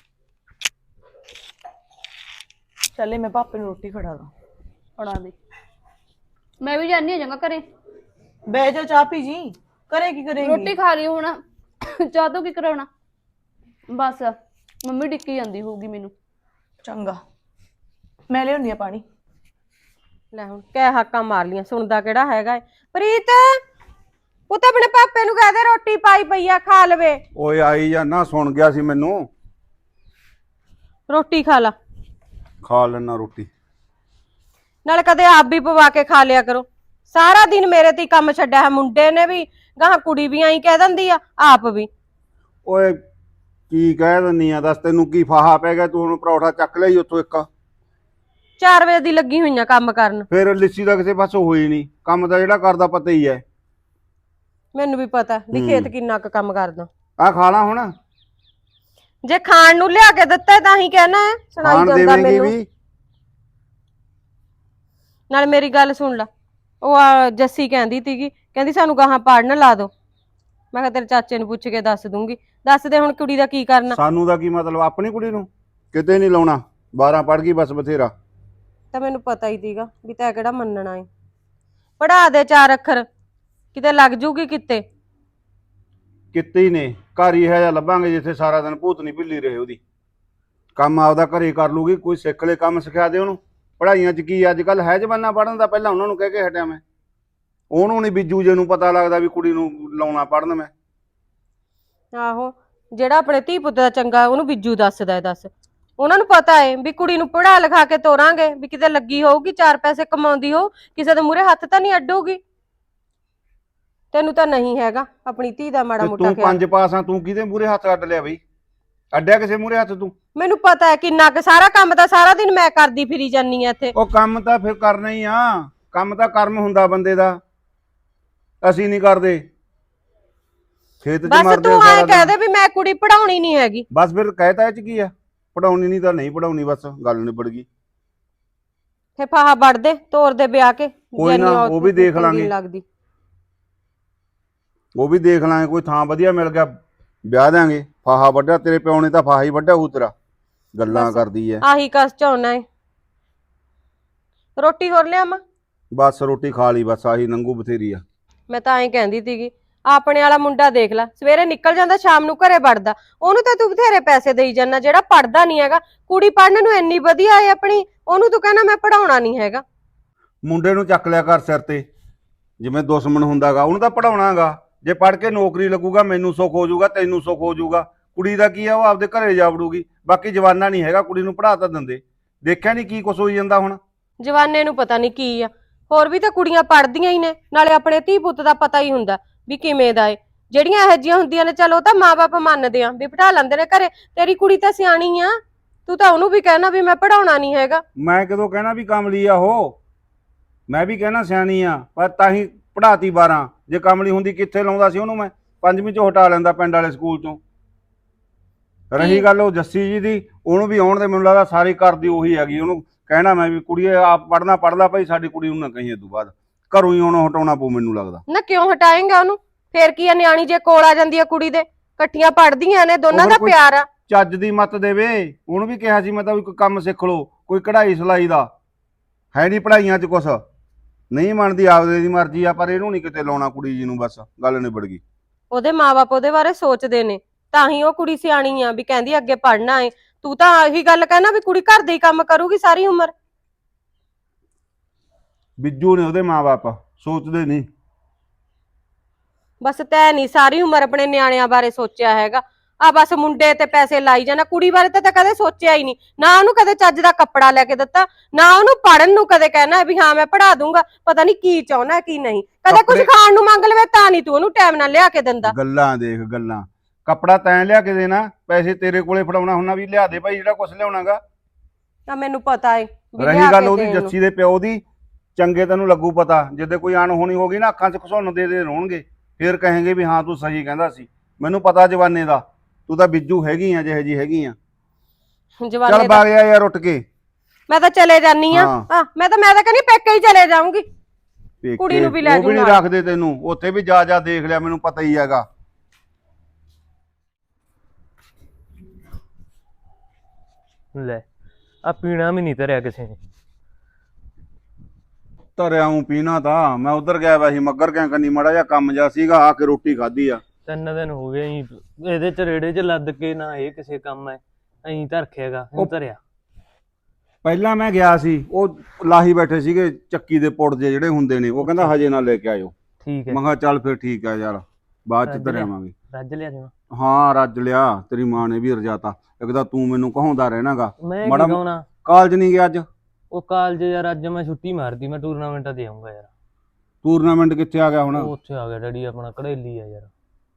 Speaker 2: ਚੱਲੇ ਮੈਂ ਪਾਪੇ ਨੂੰ ਰੋਟੀ ਖੜਾ ਦਾਂ।
Speaker 1: ਫੜਾ ਦੇ, ਮੈਂ ਵੀ ਜਾਣੀ ਆ ਚੰਗਾ ਘਰੇ।
Speaker 2: ਬਹਿ ਜਾ ਚਾਹ ਪੀ ਜੀ। ਕਰੇ ਕੀ ਕਰੇਂਗੀ?
Speaker 1: ਰੋਟੀ ਖਾ ਲਈ ਹੁਣ, ਚਾਹ ਤੋਂ ਕੀ ਕਰਾਉਣਾ। ਬਸ ਮੰਮੀ ਡਿੱਕੀ ਜਾਂਦੀ ਹੋਊਗੀ ਮੈਨੂੰ।
Speaker 2: ਚੰਗਾ ਮੈਂ ਲਿਆਉਣੀ ਆ ਪਾਣੀ।
Speaker 3: ਲੈ ਹੁਣ ਕਹਿ ਹਾਕਾਂ ਮਾਰ ਲੀਆਂ, ਸੁਣਦਾ ਕਿਹੜਾ ਹੈਗਾ ਏ। ਪ੍ਰੀਤ ਉਹ ਤਾਂ ਆਪਣੇ ਪਾਪੇ ਨੂੰ ਕਹਦੇ ਰੋਟੀ ਪਾਈ ਪਈ ਆ, ਖਾ ਲਵੇ।
Speaker 4: ਓਏ ਆਈ ਜਾਂ ਨਾ, ਸੁਣ ਗਿਆ ਸੀ ਮੈਨੂੰ।
Speaker 3: ਰੋਟੀ ਖਾ ਲਾ,
Speaker 4: ਖਾ ਲੈਣਾ ਰੋਟੀ।
Speaker 3: ਨਾਲੇ ਕਦੇ ਆਪ ਵੀ ਪਵਾ ਕੇ ਖਾ ਲਿਆ ਕਰੋ। ਸਾਰਾ ਦਿਨ ਮੇਰੇ ਤੇ ਹੀ ਕੰਮ ਛੱਡਿਆ ਹੈ। ਮੁੰਡੇ ਨੇ ਵੀ ਗਾਹਾਂ, ਕੁੜੀ ਵੀ ਆਈ ਕਹਿ ਦਿੰਦੀ ਆ, ਆਪ ਵੀ।
Speaker 4: ਓਏ ਕੀ ਕਹਿ ਦਿੰਨੀ ਆ, ਦੱਸ ਤੈਨੂੰ ਕੀ ਫਾਹਾ ਪੈ ਗਿਆ? ਤੂੰ ਹੁਣ ਪਰੌਠਾ ਚੱਕ ਲਈ ਉੱਥੋਂ ਇੱਕ।
Speaker 3: ਚਾਰ ਵਜੇ ਦੀ ਲੱਗੀ ਹੋਈਆਂ ਕੰਮ ਕਰਨ।
Speaker 4: ਫਿਰ ਲਿੱਸੀ ਦਾ ਕਿਸੇ ਪਾਸੋਂ ਹੋਈ ਨਹੀਂ ਕੰਮ, ਦਾ ਜਿਹੜਾ ਕਰਦਾ ਪਤਾ ਹੀ ਹੈ।
Speaker 3: ਮੈਨੂੰ ਵੀ ਪਤਾ ਵੀ ਖੇਤ ਕਿੰਨਾ ਕੁ ਕੰਮ ਕਰਦਾ।
Speaker 4: ਆ ਖਾ ਲਾ ਹੁਣ।
Speaker 3: ਜੇ ਖਾਣ ਨੂੰ ਲਿਆ ਕੇ ਦਿੱਤਾ ਤਾਂ ਹੀ ਕਹਿਣਾ ਹੈ, ਸੁਣਾਈ
Speaker 4: ਖਾਣ
Speaker 3: ਜਾਂਦਾ
Speaker 4: ਦੇਵੇਂਗੀ
Speaker 3: ਮੈਨੂੰ।
Speaker 4: ਵੀ।
Speaker 3: ਨਾਲ ਮੇਰੀ ਗੱਲ ਸੁਣ ਲਾ, ਉਹ ਆ ਜੱਸੀ ਕਹਿੰਦੀ ਸੀਗੀ, ਕਹਿੰਦੀ ਸਾਨੂੰ ਗਾਹਾਂ ਪੜਨ ਲਾ ਦੋ। ਮੈਂ ਕਿਹਾ ਤੇਰੇ ਚਾਚੇ ਨੂੰ ਪੁੱਛ ਕੇ ਦੱਸ ਦੂੰਗੀ। ਦੱਸ ਦੇ ਹੁਣ ਕੁੜੀ ਦਾ ਕੀ ਕਰਨਾ।
Speaker 4: ਸਾਨੂੰ ਦਾ ਕੀ ਮਤਲਬ? ਆਪਣੀ ਕੁੜੀ ਨੂੰ ਕਿਤੇ ਨਹੀਂ ਲਾਉਣਾ, ਬਾਰਾਂ ਪੜ ਗਈ ਬਸ ਬਥੇਰਾ।
Speaker 3: ਤਾਂ ਮੈਨੂੰ ਪਤਾ ਹੀ ਸੀਗਾ ਵੀ ਤੈਂ ਕਿਹੜਾ ਮੰਨਣਾ ਏ। ਪੜਾ ਦੇ ਚਾਰ ਅੱਖਰ, ਕਿਤੇ ਲੱਗ ਜੂਗੀ ਕਿਤੇ।
Speaker 4: ਕਿਤੇ ਹੀ ਨੇ, ਘਰ ਹੀ ਹੈ ਜਾਂ ਲੱਭਾਂਗੇ ਜਿੱਥੇ ਸਾਰਾ ਦਿਨ ਭੂਤਨੀ ਭਿੱਲੀ ਰਹੇ ਉਹਦੀ। ਕੰਮ ਆਪਦਾ ਘਰੇ ਕਰ ਲੂਗੀ, ਕੋਈ ਸਿੱਖ ਲੈ ਕੰਮ ਸਿਖਾ ਦੇ ਉਹਨੂੰ। ਪੜ੍ਹਾਈਆਂ 'ਚ ਕੀ ਅੱਜ ਕੱਲ ਹੈ ਜ਼ਮਾਨਾ ਪੜ੍ਹਨ ਦਾ, ਪਹਿਲਾਂ ਉਹਨਾਂ ਨੂੰ ਕਹਿ ਕੇ ਹਟਿਆ ਮੈਂ। ਉਹਨੂੰ ਨਹੀਂ ਬੀਜੂ ਜੇ ਨੂੰ ਪਤਾ ਲੱਗਦਾ ਵੀ ਕੁੜੀ ਨੂੰ ਲਾਉਣਾ ਪੜ੍ਹਨ ਮੈਂ।
Speaker 3: ਆਹੋ, ਜਿਹੜਾ ਆਪਣੇ ਧੀ ਪੁੱਤ ਦਾ ਚੰਗਾ ਉਹਨੂੰ ਬਿੱਜੂ ਦੱਸਦਾ ਏ। ਦੱਸ ਉਹਨਾਂ ਨੂੰ ਪਤਾ ਏ ਵੀ ਕੁੜੀ ਨੂੰ ਪੜ੍ਹਾ ਲਿਖਾ ਕੇ ਤੋਰਾਂਗੇ, ਵੀ ਕਿਤੇ ਲੱਗੀ ਹੋਊਗੀ, ਚਾਰ ਪੈਸੇ ਕਮਾਉਂਦੀ ਹੋ, ਕਿਸੇ ਦੇ ਮੂਹਰੇ ਹੱਥ ਤਾਂ ਨਹੀਂ ਅੱਡੂਗੀ। ਤੈਨੂੰ ਤਾਂ ਨਹੀਂ ਹੈਗਾ ਆਪਣੀ ਧੀ ਦਾ ਮਾੜਾ
Speaker 4: ਤੇ
Speaker 3: ਮੋਟਾ
Speaker 4: ਤੂੰ
Speaker 3: ਖਿਆਲ।
Speaker 4: ਪੰਜ ਪਾਸ ਆ, ਤੂੰ ਕਿਹਦੇ ਮੂਹਰੇ ਹੱਥ ਅੱਡ ਲਿਆ ਬਈ? ਅੱਡਿਆ ਕਿਸੇ ਮੂਹਰੇ ਹੱਥ ਤੂੰ?
Speaker 3: ਮੈਨੂੰ ਪਤਾ ਹੈ ਕਿੰਨਾ ਕੁ ਸਾਰਾ ਕੰਮ ਤਾਂ ਸਾਰਾ ਦਿਨ ਮੈਂ ਕਰਦੀ ਫਿਰੀ ਜਾਨੀ ਆ ਇੱਥੇ।
Speaker 4: ਉਹ ਕੰਮ ਤਾਂ ਫਿਰ ਕਰਨਾ ਹੀ ਆ, ਕੰਮ ਤਾਂ ਕਰਮ ਹੁੰਦਾ ਬੰਦੇ ਦਾ। ਅਸੀਂ ਨਹੀਂ ਕਰਦੇ, ਖੇਤ 'ਚ
Speaker 3: ਬਸ
Speaker 4: ਮਰਦੇ
Speaker 3: ਤੂੰ
Speaker 4: ਸਾਰਾ
Speaker 3: ਐ
Speaker 4: ਦਿਨ।
Speaker 3: ਕਹਿ ਦੇ ਵੀ ਮੈਂ ਕੁੜੀ ਪੜਾਉਣੀ ਨਹੀਂ ਹੈਗੀ।
Speaker 4: ਬਸ ਫਿਰ ਕਹਿਤਾ ਇਹ 'ਚ ਕੀ ਆ? ਪੜਾਉਣੀ ਨਹੀਂ ਤਾਂ ਨਹੀਂ ਪੜਾਉਣੀ, ਬਸ ਗੱਲ ਨਿਬੜ ਗਈ।
Speaker 3: ਫੇ ਫਾਹਾ ਵੜ ਦੇ, ਤੋਰ ਦੇ ਵਿਆਹ ਕੇ।
Speaker 4: ਕੋਈ ਨਾ, ਉਹ ਵੀ ਦੇਖ ਲਾਂਗੇ।
Speaker 3: ਲੱਗਦੀ
Speaker 4: ਉਹ ਵੀ ਦੇਖ ਲਾਂਗੇ, ਕੋਈ ਥਾਂ ਵਧੀਆ ਮਿਲ ਗਿਆ ਵਿਆਹ ਦਾਂਗੇ। ਫਾਹਾ ਵੱਢਿਆ ਤੇਰੇ ਪਿਓ ਨੇ, ਤਾਂ ਫਾਹਾ ਹੀ ਵੱਢਿਆ ਹੋਊ ਤੇਰਾ। ਗੱਲਾਂ
Speaker 3: ਬਸ
Speaker 4: ਕਰਦੀ ਐ।
Speaker 3: ਆਹੀ ਕਸ ਝੋਨਾ ਏ। ਰੋਟੀ ਹੋਰ ਲਿਆਵਾਂ?
Speaker 4: ਬਸ ਰੋਟੀ ਖਾ ਲਈ, ਬਸ ਆਹੀ ਨੰਗੂ ਬਥੇਰੀ ਆ।
Speaker 3: ਮੈਂ ਤਾਂ ਐਂ ਕਹਿੰਦੀ ਸੀਗੀ, ਆਪਣੇ ਵਾਲਾ ਮੁੰਡਾ ਦੇਖ ਲੈ, ਸਵੇਰੇ ਨਿਕਲ ਜਾਂਦਾ, ਸ਼ਾਮ ਨੂੰ ਘਰੇ ਵੜਦਾ। ਉਹਨੂੰ ਤਾਂ ਤੂੰ ਬਥੇਰੇ ਪੈਸੇ ਦੇਈ ਜਾਂਦਾ, ਜਿਹੜਾ ਪੜਦਾ ਨਹੀਂ ਹੈਗਾ। ਕੁੜੀ ਪੜਨ ਨੂੰ ਇੰਨੀ ਵਧੀਆ ਏ ਆਪਣੀ, ਉਹਨੂੰ ਤੂੰ ਕਹਿੰਦਾ ਮੈਂ ਪੜਾਉਣਾ ਨਹੀਂ ਹੈਗਾ।
Speaker 4: ਮੁੰਡੇ ਨੂੰ ਚੱਕ ਲਿਆ ਕਰ ਸਿਰ ਤੇ, ਜਿਵੇਂ ਦੁਸ਼ਮਣ ਹੁੰਦਾਗਾ। ਉਹਨੂੰ ਤਾਂ ਪੜਾਉਣਾਗਾ, ਜੇ ਪੜ ਕੇ ਨੌਕਰੀ ਲੱਗੂਗਾ ਮੈਨੂੰ ਸੁੱਖ ਹੋ ਜਾਊਗਾ, ਤੈਨੂੰ ਸੁੱਖ ਹੋ ਜਾਊਗਾ। ਕੁੜੀ ਦਾ ਕੀ ਆ, ਉਹ ਆਪਦੇ ਘਰੇ ਜਾ ਵੜੂਗੀ। ਬਾਕੀ ਜਵਾਨਾ ਨਹੀਂ ਹੈਗਾ, ਕੁੜੀ ਨੂੰ ਪੜਾ ਤਾਂ ਦਿੰਦੇ। ਦੇਖਿਆ ਨਹੀਂ ਕੀ ਕੁਛ ਹੋਈ ਜਾਂਦਾ ਹੁਣ।
Speaker 3: ਜਵਾਨੇ ਨੂੰ ਪਤਾ ਨਹੀਂ ਕੀ ਆ, ਹੋਰ ਵੀ ਤਾਂ ਕੁੜੀਆਂ ਪੜਦੀਆਂ ਹੀ ਨੇ। ਨਾਲੇ ਆਪਣੇ ਧੀ ਪੁੱਤ ਦਾ ਪਤਾ ਹੀ ਹੁੰਦਾ ਵੀ ਕਿਵੇਂ ਦਾ ਏ। ਜਿਹੜੀਆਂ ਇਹੋ ਜਿਹੀਆਂ ਹੁੰਦੀਆਂ ਨੇ, ਚਲੋ ਤਾਂ ਮਾਪੇ ਮੰਨਦੇ ਆ ਵੀ ਬਿਠਾ ਲੈਂਦੇ ਨੇ ਘਰੇ। ਤੇਰੀ ਕੁੜੀ ਤਾਂ ਸਿਆਣੀ ਆ, ਤੂੰ ਤਾਂ ਉਹਨੂੰ ਵੀ ਕਹਿਣਾ ਵੀ ਮੈਂ ਪੜਾਉਣਾ ਨਹੀਂ ਹੈਗਾ।
Speaker 4: ਮੈਂ ਕਦੋਂ ਕਹਿਣਾ ਵੀ ਕਮਲੀ ਆ ਉਹ? ਮੈਂ ਵੀ ਕਹਿਣਾ ਸਿਆਣੀ ਆ, ਪਰ ਤਾਂ ਹੀ ਪੜਾਤੀ ਬਾਰਾਂ। ਜੇ ਕਮਲੀ ਹੁੰਦੀ ਕਿੱਥੇ ਲਾਉਂਦਾ ਸੀ ਉਹਨੂੰ ਮੈਂ? ਪੰਜਵੀਂ ਚੋਂ ਹਟਾ ਲੈਂਦਾ ਪਿੰਡ ਵਾਲੇ ਸਕੂਲ ਚੋਂ। ਰਹੀ ਗੱਲ ਉਹ ਜੱਸੀ ਜੀ ਦੀ, ਉਹਨੂੰ ਵੀ ਆਉਣ ਦੇ ਮੈਨੂੰ ਲੱਗਦਾ ਸਾਰੀ ਘਰ ਦੀ ਉਹੀ ਹੈਗੀ। ਉਹਨੂੰ ਕਹਿਣਾ ਮੈਂ ਵੀ ਕੁੜੀਏ ਆਪ ਪੜਨਾ ਪੜ ਲਾ ਭਾਈ, ਸਾਡੀ ਕੁੜੀ ਨੂੰ ਨਾ ਕਹੀਏ ਤੂੰ ਬਾਅਦ। ਘਰੋਂ ਹੀ ਉਹਨੂੰ ਹਟਾਉਣਾ ਪਊ ਮੈਨੂੰ ਲੱਗਦਾ।
Speaker 3: ਨਾ ਕਿਉਂ ਹਟਾਏਂਗਾ ਉਹਨੂੰ? ਫੇਰ ਕੀ ਆ, ਨਿਆਣੀ ਜੇ ਕੋਲ ਆ ਜਾਂਦੀ ਆ ਕੁੜੀ ਦੇ, ਇਕੱਠੀਆਂ ਪੜਦੀਆਂ ਨੇ, ਦੋਨਾਂ ਦਾ ਪਿਆਰ ਆ।
Speaker 4: ਚੱਜ ਦੀ ਮੱਤ ਦੇਵੇ। ਉਹਨੂੰ ਵੀ ਕਿਹਾ ਸੀ ਮੈਂ ਤਾਂ ਵੀ ਕੋਈ ਕੰਮ ਸਿੱਖ ਲਓ, ਕੋਈ ਕਢਾਈ ਸਿਲਾਈ ਦਾ। ਹੈ ਨਹੀਂ ਪੜਾਈਆਂ 'ਚ ਕੁਛ, ਨਹੀਂ ਮੰਨਦੀ, ਆਪਦੇ ਦੀ ਮਰਜ਼ੀ ਆ। ਪਰ ਇਹਨੂੰ ਨਹੀਂ ਕਿਤੇ ਲਾਉਣਾ ਕੁੜੀ ਜੀ ਨੂੰ, ਬਸ ਗੱਲ ਨਿਬੜ ਗਈ।
Speaker 3: ਉਹਦੇ ਮਾਪੇ ਉਹਦੇ ਬਾਰੇ ਸੋਚਦੇ ਨੇ, ਤਾਂ ਹੀ ਉਹ ਕੁੜੀ ਸਿਆਣੀ ਆ ਵੀ ਕਹਿੰਦੀ ਅੱਗੇ ਪੜਨਾ ਏ। ਤੂੰ ਤਾਂ ਆਹੀ ਗੱਲ ਕਹਿਣਾ ਵੀ ਕੁੜੀ ਘਰ ਦੇ ਹੀ ਕੰਮ ਕਰੂਗੀ ਸਾਰੀ ਉਮਰ।
Speaker 4: ਬਿੱਜੂ ਨੇ ਉਹਦੇ ਮਾਂ-ਬਾਪ, ਸੋਚਦੇ ਨਹੀਂ।
Speaker 3: ਬਸ ਤੈ ਨਹੀਂ ਸਾਰੀ ਉਮਰ ਆਪਣੇ ਨਿਆਣਿਆਂ ਬਾਰੇ ਸੋਚਿਆ ਹੈਗਾ। ਆ ਬਸ ਮੁੰਡੇ ਤੇ ਪੈਸੇ ਲਾਈ ਜਾਣਾ, ਕੁੜੀ ਬਾਰੇ ਤਾਂ ਕਦੇ ਸੋਚਿਆ ਹੀ ਨਹੀਂ। ਨਾ ਉਹਨੂੰ ਕਦੇ ਚੱਜ ਦਾ ਕੱਪੜਾ ਲੈ ਕੇ ਦਿੱਤਾ, ਨਾ ਉਹਨੂੰ ਪੜਨ ਨੂੰ ਕਦੇ ਕਹਿਣਾ ਵੀ ਹਾਂ ਮੈਂ ਪੜਾ ਦੂੰਗਾ। ਪਤਾ ਨਹੀਂ ਕੀ ਚਾਹੁੰਦਾ ਕੀ ਨਹੀਂ। ਕਦੇ ਕੁਝ ਖਾਣ ਨੂੰ ਮੰਗ ਲਵੇ ਤਾਂ ਨਹੀਂ ਤੂੰ ਉਹਨੂੰ ਟਾਈਮ ਨਾਲ ਲਿਆ ਕੇ ਦਿੰਦਾ।
Speaker 4: ਗੱਲਾਂ ਦੇਖ ਗੱਲਾਂ, ਕੱਪੜਾ ਤੈਂ ਲਿਆ ਕੇ ਦੇਣਾ, ਪੈਸੇ ਤੇਰੇ ਕੋਲੇ ਫੜਾਉਣਾ ਹੁੰਨਾ ਵੀ ਲਿਆ ਦੇ ਭਾਈ ਜਿਹੜਾ ਕੁਛ ਲਿਆਉਣਾਗਾ।
Speaker 3: ਤਾਂ ਮੈਨੂੰ ਪਤਾ ਏ ਵੀ
Speaker 4: ਰਹੀ
Speaker 3: ਲਿਆ
Speaker 4: ਗੱਲ
Speaker 3: ਕੇ
Speaker 4: ਉਹਦੀ
Speaker 3: ਦੇਣ ਨੂੰ।
Speaker 4: ਜੱਸੀ ਦੇ ਪਿਓ ਦੀ, ਚੰਗੇ ਤੈਨੂੰ ਲੱਗੂ ਪਤਾ, ਜਿੱਦੇ ਕੋਈ ਅਣਹੋਣੀ ਹੋ ਗਈ ਨਾ ਅੱਖਾਂ 'ਚ ਘਸੁੰਨ ਦੇ ਦੇ ਰੋਣਗੇ, ਫੇਰ ਕਹੇਂਗੇ ਵੀ ਹਾਂ ਤੂੰ ਸਹੀ ਕਹਿੰਦਾ ਸੀ। ਮੈਨੂੰ ਪਤਾ ਜਵਾਨੇ ਦਾ, ਤੂੰ ਤਾਂ ਬਿੱਜੂ ਹੈਗੀ ਆ ਜਿਹੇ ਜੀ ਹੈਗੀ ਆ।
Speaker 3: ਜਵਾਨੇ
Speaker 4: ਚੱਲ
Speaker 3: ਦਾ
Speaker 4: ਬਾਗ ਜਾ ਯਾਰ ਉੱਠ ਕੇ।
Speaker 3: ਮੈਂ ਤਾਂ ਚਲੇ ਜਾਨੀ ਆ।
Speaker 4: ਹਾਂ।
Speaker 3: ਹਾਂ ਮੈਂ ਤਾਂ ਮੈਂ ਤਾਂ ਕਹਿੰਦੀ ਪੇਕੇ ਹੀ ਚਲੇ ਜਾਊਂਗੀ।
Speaker 4: ਪੇਕੇ,
Speaker 3: ਕੁੜੀ ਨੂੰ ਵੀ ਲੈ
Speaker 4: ਉਹ ਵੀ
Speaker 3: ਜੂ
Speaker 4: ਨਹੀਂ
Speaker 3: ਨਾਲ।
Speaker 4: ਰੱਖਦੇ ਤੈਨੂੰ, ਉੱਥੇ ਵੀ ਜਾ ਜਾ ਦੇਖ ਲਿਆ, ਮੈਨੂੰ ਪਤਾ ਹੀ ਹੈਗਾ।
Speaker 5: ਲੈ ਆ ਪੀਣਾ ਵੀ ਨਹੀਂ ਧਰਿਆ ਕਿਸੇ ਨੇ।
Speaker 4: ਧਰਿਆ ਹੂੰ ਪੀਣਾ ਤਾਂ ਮੈਂ ਉਧਰ ਗਿਆ ਵਾ ਸੀ ਮੱਗਰ ਕਿਆ ਕਰਨੀ, ਮਾੜਾ ਜਿਹਾ ਕੰਮ ਜਾ ਸੀਗਾ, ਆ ਕੇ ਰੋਟੀ ਖਾਧੀ ਆ।
Speaker 5: ਤਿੰਨ ਦਿਨ ਹੋ ਗਏ ਜੀ ਇਹਦੇ ਚ ਰੇੜੇ ਚ ਲੱਦ ਕੇ, ਨਾ ਇਹ ਕਿਸੇ ਕੰਮ ਐ ਐਂ ਤਾਂ ਰੱਖਿਆਗਾ ਹੁਣ ਧਰਿਆ।
Speaker 4: ਪਹਿਲਾਂ ਮੈਂ ਗਿਆ ਸੀ, ਉਹ ਲਾਹੀ ਬੈਠੇ ਸੀਗੇ ਚੱਕੀ ਦੇ ਪੁੜ ਜੇ ਜਿਹੜੇ ਹੁੰਦੇ ਨੇ, ਉਹ ਕਹਿੰਦਾ ਹਜੇ ਨਾ ਲੈ ਕੇ ਆਇਓ।
Speaker 5: ਠੀਕ ਹੈ,
Speaker 4: ਮੈਂ ਕਿਹਾ ਚੱਲ ਫਿਰ ਠੀਕ ਆ ਯਾਰ, ਬਾਅਦ ਚ
Speaker 5: ਰੱਜ
Speaker 4: ਧਰ
Speaker 5: ਲਿਆ।
Speaker 4: ਆਵਾਂਗੇ।
Speaker 5: ਰੱਜ ਲਿਆ ਜਿਵੇਂ।
Speaker 4: ਹਾਂ ਰੱਜ ਲਿਆ, ਤੇਰੀ ਮਾਂ ਨੇ ਵੀ ਰਜਾਤਾ। ਇੱਕ ਤਾਂ ਤੂੰ ਮੈਨੂੰ ਕਹਾਉਂਦਾ ਰਹਿਣਾਗਾ।
Speaker 5: ਮੈਂ
Speaker 4: ਮਾੜਾ
Speaker 5: ਕੀ ਕਹਣਾ,
Speaker 4: ਕਾਲਜ ਨਹੀਂ ਗਿਆ ਅੱਜ?
Speaker 5: ਉਹ ਕਾਲਜ ਯਾਰ ਅੱਜ ਮੈਂ ਛੁੱਟੀ ਮਾਰਦੀ, ਮੈਂ ਟੂਰਨਾਮੈਂਟਾਂ ਤੇ ਆਉਂਗਾ ਯਾਰ।
Speaker 4: ਟੂਰਨਾਮੈਂਟ ਕਿੱਥੇ ਆ ਗਿਆ ਹੁਣ?
Speaker 5: ਉਹ ਉੱਥੇ ਆ ਗਿਆ ਡੈਡੀ ਆਪਣਾ ਘੜੇਲੀ ਆ ਯਾਰ।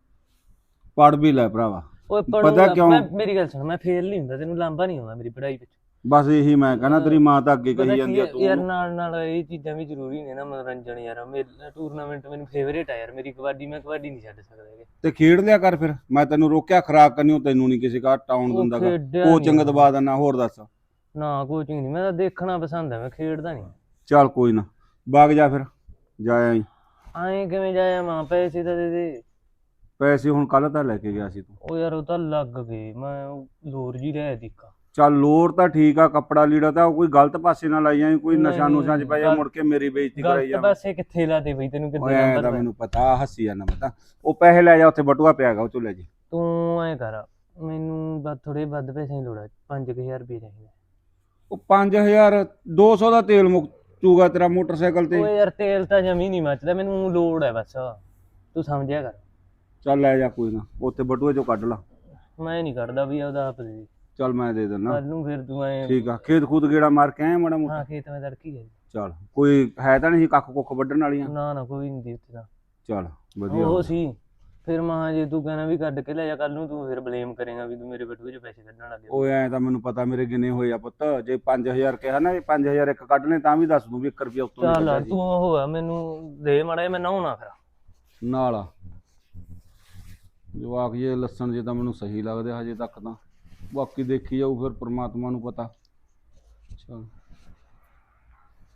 Speaker 4: ਪੜ ਵੀ ਲੈ ਭਰਾਵਾ।
Speaker 5: ਓਏ
Speaker 4: ਪਤਾ
Speaker 5: ਪਤਾ
Speaker 4: ਕਿਉਂ?
Speaker 5: ਕਿਉਂ, ਮੇਰੀ ਗੱਲ ਸੁਣ, ਮੈਂ ਫੇਲ ਨਹੀਂ ਹੁੰਦਾ, ਤੈਨੂੰ ਲਾਂਭਾ ਨਹੀਂ ਆਉਂਦਾ ਮੇਰੀ ਪੜ੍ਹਾਈ ਵਿੱਚ।
Speaker 4: ਬਸ ਇਹੀ ਮੈਂ ਕਹਿੰਦਾ, ਤੇਰੀ ਮਾਂ ਤਾਂ ਅੱਗੇ
Speaker 5: ਪਤਾ
Speaker 4: ਕਹੀ
Speaker 5: ਕੀ
Speaker 4: ਜਾਂਦੀ ਆ
Speaker 5: ਹੈ
Speaker 4: ਤੂੰ
Speaker 5: ਯਾਰ,
Speaker 4: ਉਹਨੂੰ।
Speaker 5: ਨਾਲ ਨਾਲ ਇਹ ਚੀਜ਼ਾਂ ਵੀ ਜ਼ਰੂਰੀ ਨੇ ਨਾ, ਮਨੋਰੰਜਨ ਯਾਰ। ਮੇਰਾ ਟੂਰਨਾਮੈਂਟ ਮੈਨੂੰ ਫੇਵਰੇਟ ਆ ਯਾਰ, ਮੇਰੀ ਕਬੱਡੀ, ਮੈਂ ਕਬੱਡੀ ਨਹੀਂ ਛੱਡ ਸਕਦਾ ਹੈਗਾ।
Speaker 4: ਤੇ ਖੇਡ ਲਿਆ ਕਰ ਫਿਰ। ਮੈਂ ਤੈਨੂੰ ਰੋਕਿਆ ਖਰਾਕ ਕਰਨੀ, ਤੈਨੂੰ ਨਹੀਂ ਕਿਸੇ ਕਾ ਟਾਉਣ
Speaker 5: ਉਹ
Speaker 4: ਦਿੰਦਾਗਾ।
Speaker 5: ਖੇਡਿਆ
Speaker 4: ਕੋਚਿੰਗ
Speaker 5: ਨੀ
Speaker 4: ਦਵਾ ਦਿੰਦਾ। ਹੋਰ ਦੱਸ।
Speaker 5: ਨਾ ਕੋਚਿੰਗ ਨਹੀਂ, ਮੈਂ ਤਾਂ ਦੇਖਣਾ ਪਸੰਦ ਹੈ, ਮੈਂ ਖੇਡਦਾ ਨਹੀਂ।
Speaker 4: ਚੱਲ ਕੋਈ ਨਾ, ਵਗ ਜਾ ਫਿਰ, ਜਾ ਆਈ।
Speaker 5: ਐਂ ਕਿਵੇਂ ਜਾਇਆ ਮਾਂ, ਪੈਸੇ ਤਾਂ ਦੇ ਦੇ।
Speaker 4: ਪੈਸੇ ਹੁਣ ਕੱਲ ਤਾਂ ਲੈ ਕੇ ਗਿਆ ਸੀ ਤੂੰ।
Speaker 5: ਉਹ ਯਾਰ ਉਹ ਤਾਂ ਲੱਗ ਗਏ, ਮੈਂ ਉਹ ਲੋਰ ਜੀ ਰਹਿ ਦਿੱਕਾ।
Speaker 4: ਚੱਲ ਲੋਰ ਤਾਂ ਠੀਕ ਆ, ਕੱਪੜਾ ਲੀੜਾ ਤਾਂ ਕੋਈ ਗਲਤ ਪਾਸੇ ਨਾ ਲਾਈ ਜਾਈ, ਕੋਈ ਨਸ਼ਾ
Speaker 5: ਨਹੀਂ,
Speaker 4: ਨੁਸ਼ਾ ਚ ਪੈ ਜਾ
Speaker 5: ਗਲਤ-
Speaker 4: ਮੁੜ ਕੇ ਮੇਰੀ ਬੇਇੱਜ਼ਤੀ ਕਰਾਈ
Speaker 5: ਗਲਤ
Speaker 4: ਜਾ।
Speaker 5: ਪਾਸੇ ਕਿੱਥੇ ਲਾਦੇ ਬਈ, ਤੈਨੂੰ
Speaker 4: ਓਏ
Speaker 5: ਕਿੱਦਾਂ
Speaker 4: ਐਂ
Speaker 5: ਨੰਬਰ
Speaker 4: ਤਾਂ
Speaker 5: ਪੈ-
Speaker 4: ਮੈਨੂੰ ਪਤਾ, ਹੱਸੀ ਜਾਂਦਾ ਮੈਂ ਤਾਂ। ਉਹ ਪੈਸੇ ਲੈ ਜਾ, ਉੱਥੇ ਬਟੂਆ ਪਿਆ ਹੈਗਾ, ਉਹ ਚੋਂ ਲੈ ਜੀ।
Speaker 5: ਤੂੰ ਐਂ ਕਰ, ਮੈਨੂੰ ਬਸ ਥੋੜੇ ਵੱਧ ਪੈਸੇ ਦੀ ਲੋੜ ਹੈ, ਪੰਜ ਕੁ ਹਜ਼ਾਰ ਰੁਪਏ ਚਾਹੀਦਾ।
Speaker 4: ਉਹ ਪੰਜ ਹਜ਼ਾਰ ਦੋ ਸੌ ਦਾ ਤੇਲ ਮੁੱਕੂਗਾ ਤੇਰਾ ਮੋਟਰਸਾਈਕਲ ਤੇ।
Speaker 5: ਓਏ ਯਾਰ ਤੇਲ ਤਾਂ ਜਮੀ ਨਹੀਂ ਮੱਚਦਾ, ਮੈਨੂੰ ਲੋੜ ਹੈ ਬਸ, ਤੂੰ ਸਮਝਿਆ ਕਰ।
Speaker 4: ਚੱਲ ਲੈ ਜਾ ਕੋਈ ਨਾ, ਉੱਥੇ ਬਟੂਏ ਚੋਂ ਕੱਢ ਲਾ।
Speaker 5: ਮੈਂ ਨਹੀਂ ਕਰਦਾ ਵੀ ਉਹਦਾ ਆਪ ਦੇ।
Speaker 4: ਚੱਲ ਮੈਂ ਦੇ ਦਿੰਦਾ।
Speaker 5: ਕੱਲ ਨੂੰ ਫਿਰ ਤੂੰ ਐਂ।
Speaker 4: ਠੀਕ ਆ, ਖੇਤ ਖੂਤ ਗੇੜਾ ਮਾਰ ਕੇ ਆਇਆ ਮਾੜਾ ਮੋਟਾ?
Speaker 5: ਹਾਂ ਖੇਤ ਮੈਂ ਤੜਕੀ ਹੈ।
Speaker 4: ਚੱਲ ਕੋਈ ਹੈ ਤਾਂ ਨਹੀਂ ਸੀ ਕੱਖ ਕੁੱਖ ਵੱਢਣ ਵਾਲੀਆਂ?
Speaker 5: ਨਾ ਨਾ ਕੋਈ ਨਹੀਂ ਦੀ ਉੱਥੇ ਤਾਂ।
Speaker 4: ਚੱਲ ਵਧੀਆ।
Speaker 5: ਉਹ ਸੀ ਫਿਰ ਮਾਂ, ਜੇ ਤੂੰ ਕਹਿਣਾ ਵੀ ਕੱਢ ਕੇ ਲੈ ਜਾ ਕੱਲ ਨੂੰ, ਤੂੰ ਫਿਰ ਬਲੇਮ ਕਰੇਗਾ ਵੀ ਤੂੰ ਮੇਰੇ ਬਟੂਏ 'ਚ ਪੈਸੇ ਕੱਢਣ ਲੱਗ ਗਿਆ।
Speaker 4: ਓਏ ਐਂ ਤਾਂ ਮੈਨੂੰ ਪਤਾ, ਮੇਰੇ ਗਿਣੇ ਹੋਏ ਆ ਪੁੱਤ। ਜੇ ਪੰਜ ਹਜ਼ਾਰ ਕਿਹਾ ਨਾ, ਇਹ ਪੰਜ ਹਜ਼ਾਰ ਇੱਕ ਕੱਢ ਲੈ ਤਾਂ ਵੀ ਦੱਸ ਦੂੰ ਵੀ ਇੱਕ ਰੁਪਿਆ ਉੱਤੋਂ
Speaker 5: ਚੱਲ
Speaker 4: ਨਹੀਂ
Speaker 5: ਤੂੰ ਉਹ ਆ, ਮੈਨੂੰ ਦੇ ਮਾੜਾ ਜਿਹਾ, ਮੈਂ ਨਹਾਉਣਾ ਫਿਰ।
Speaker 4: ਨਾਲ ਜਵਾਕ ਜੇ ਲੱਸਣ ਜੇ ਤਾਂ ਮੈਨੂੰ ਸਹੀ ਲੱਗਦੇ ਹਜੇ ਤੱਕ ਤਾਂ, ਬਾਕੀ ਦੇਖੀ ਜਾਊ ਫਿਰ, ਪ੍ਰਮਾਤਮਾ ਨੂੰ ਪਤਾ। ਚੱਲ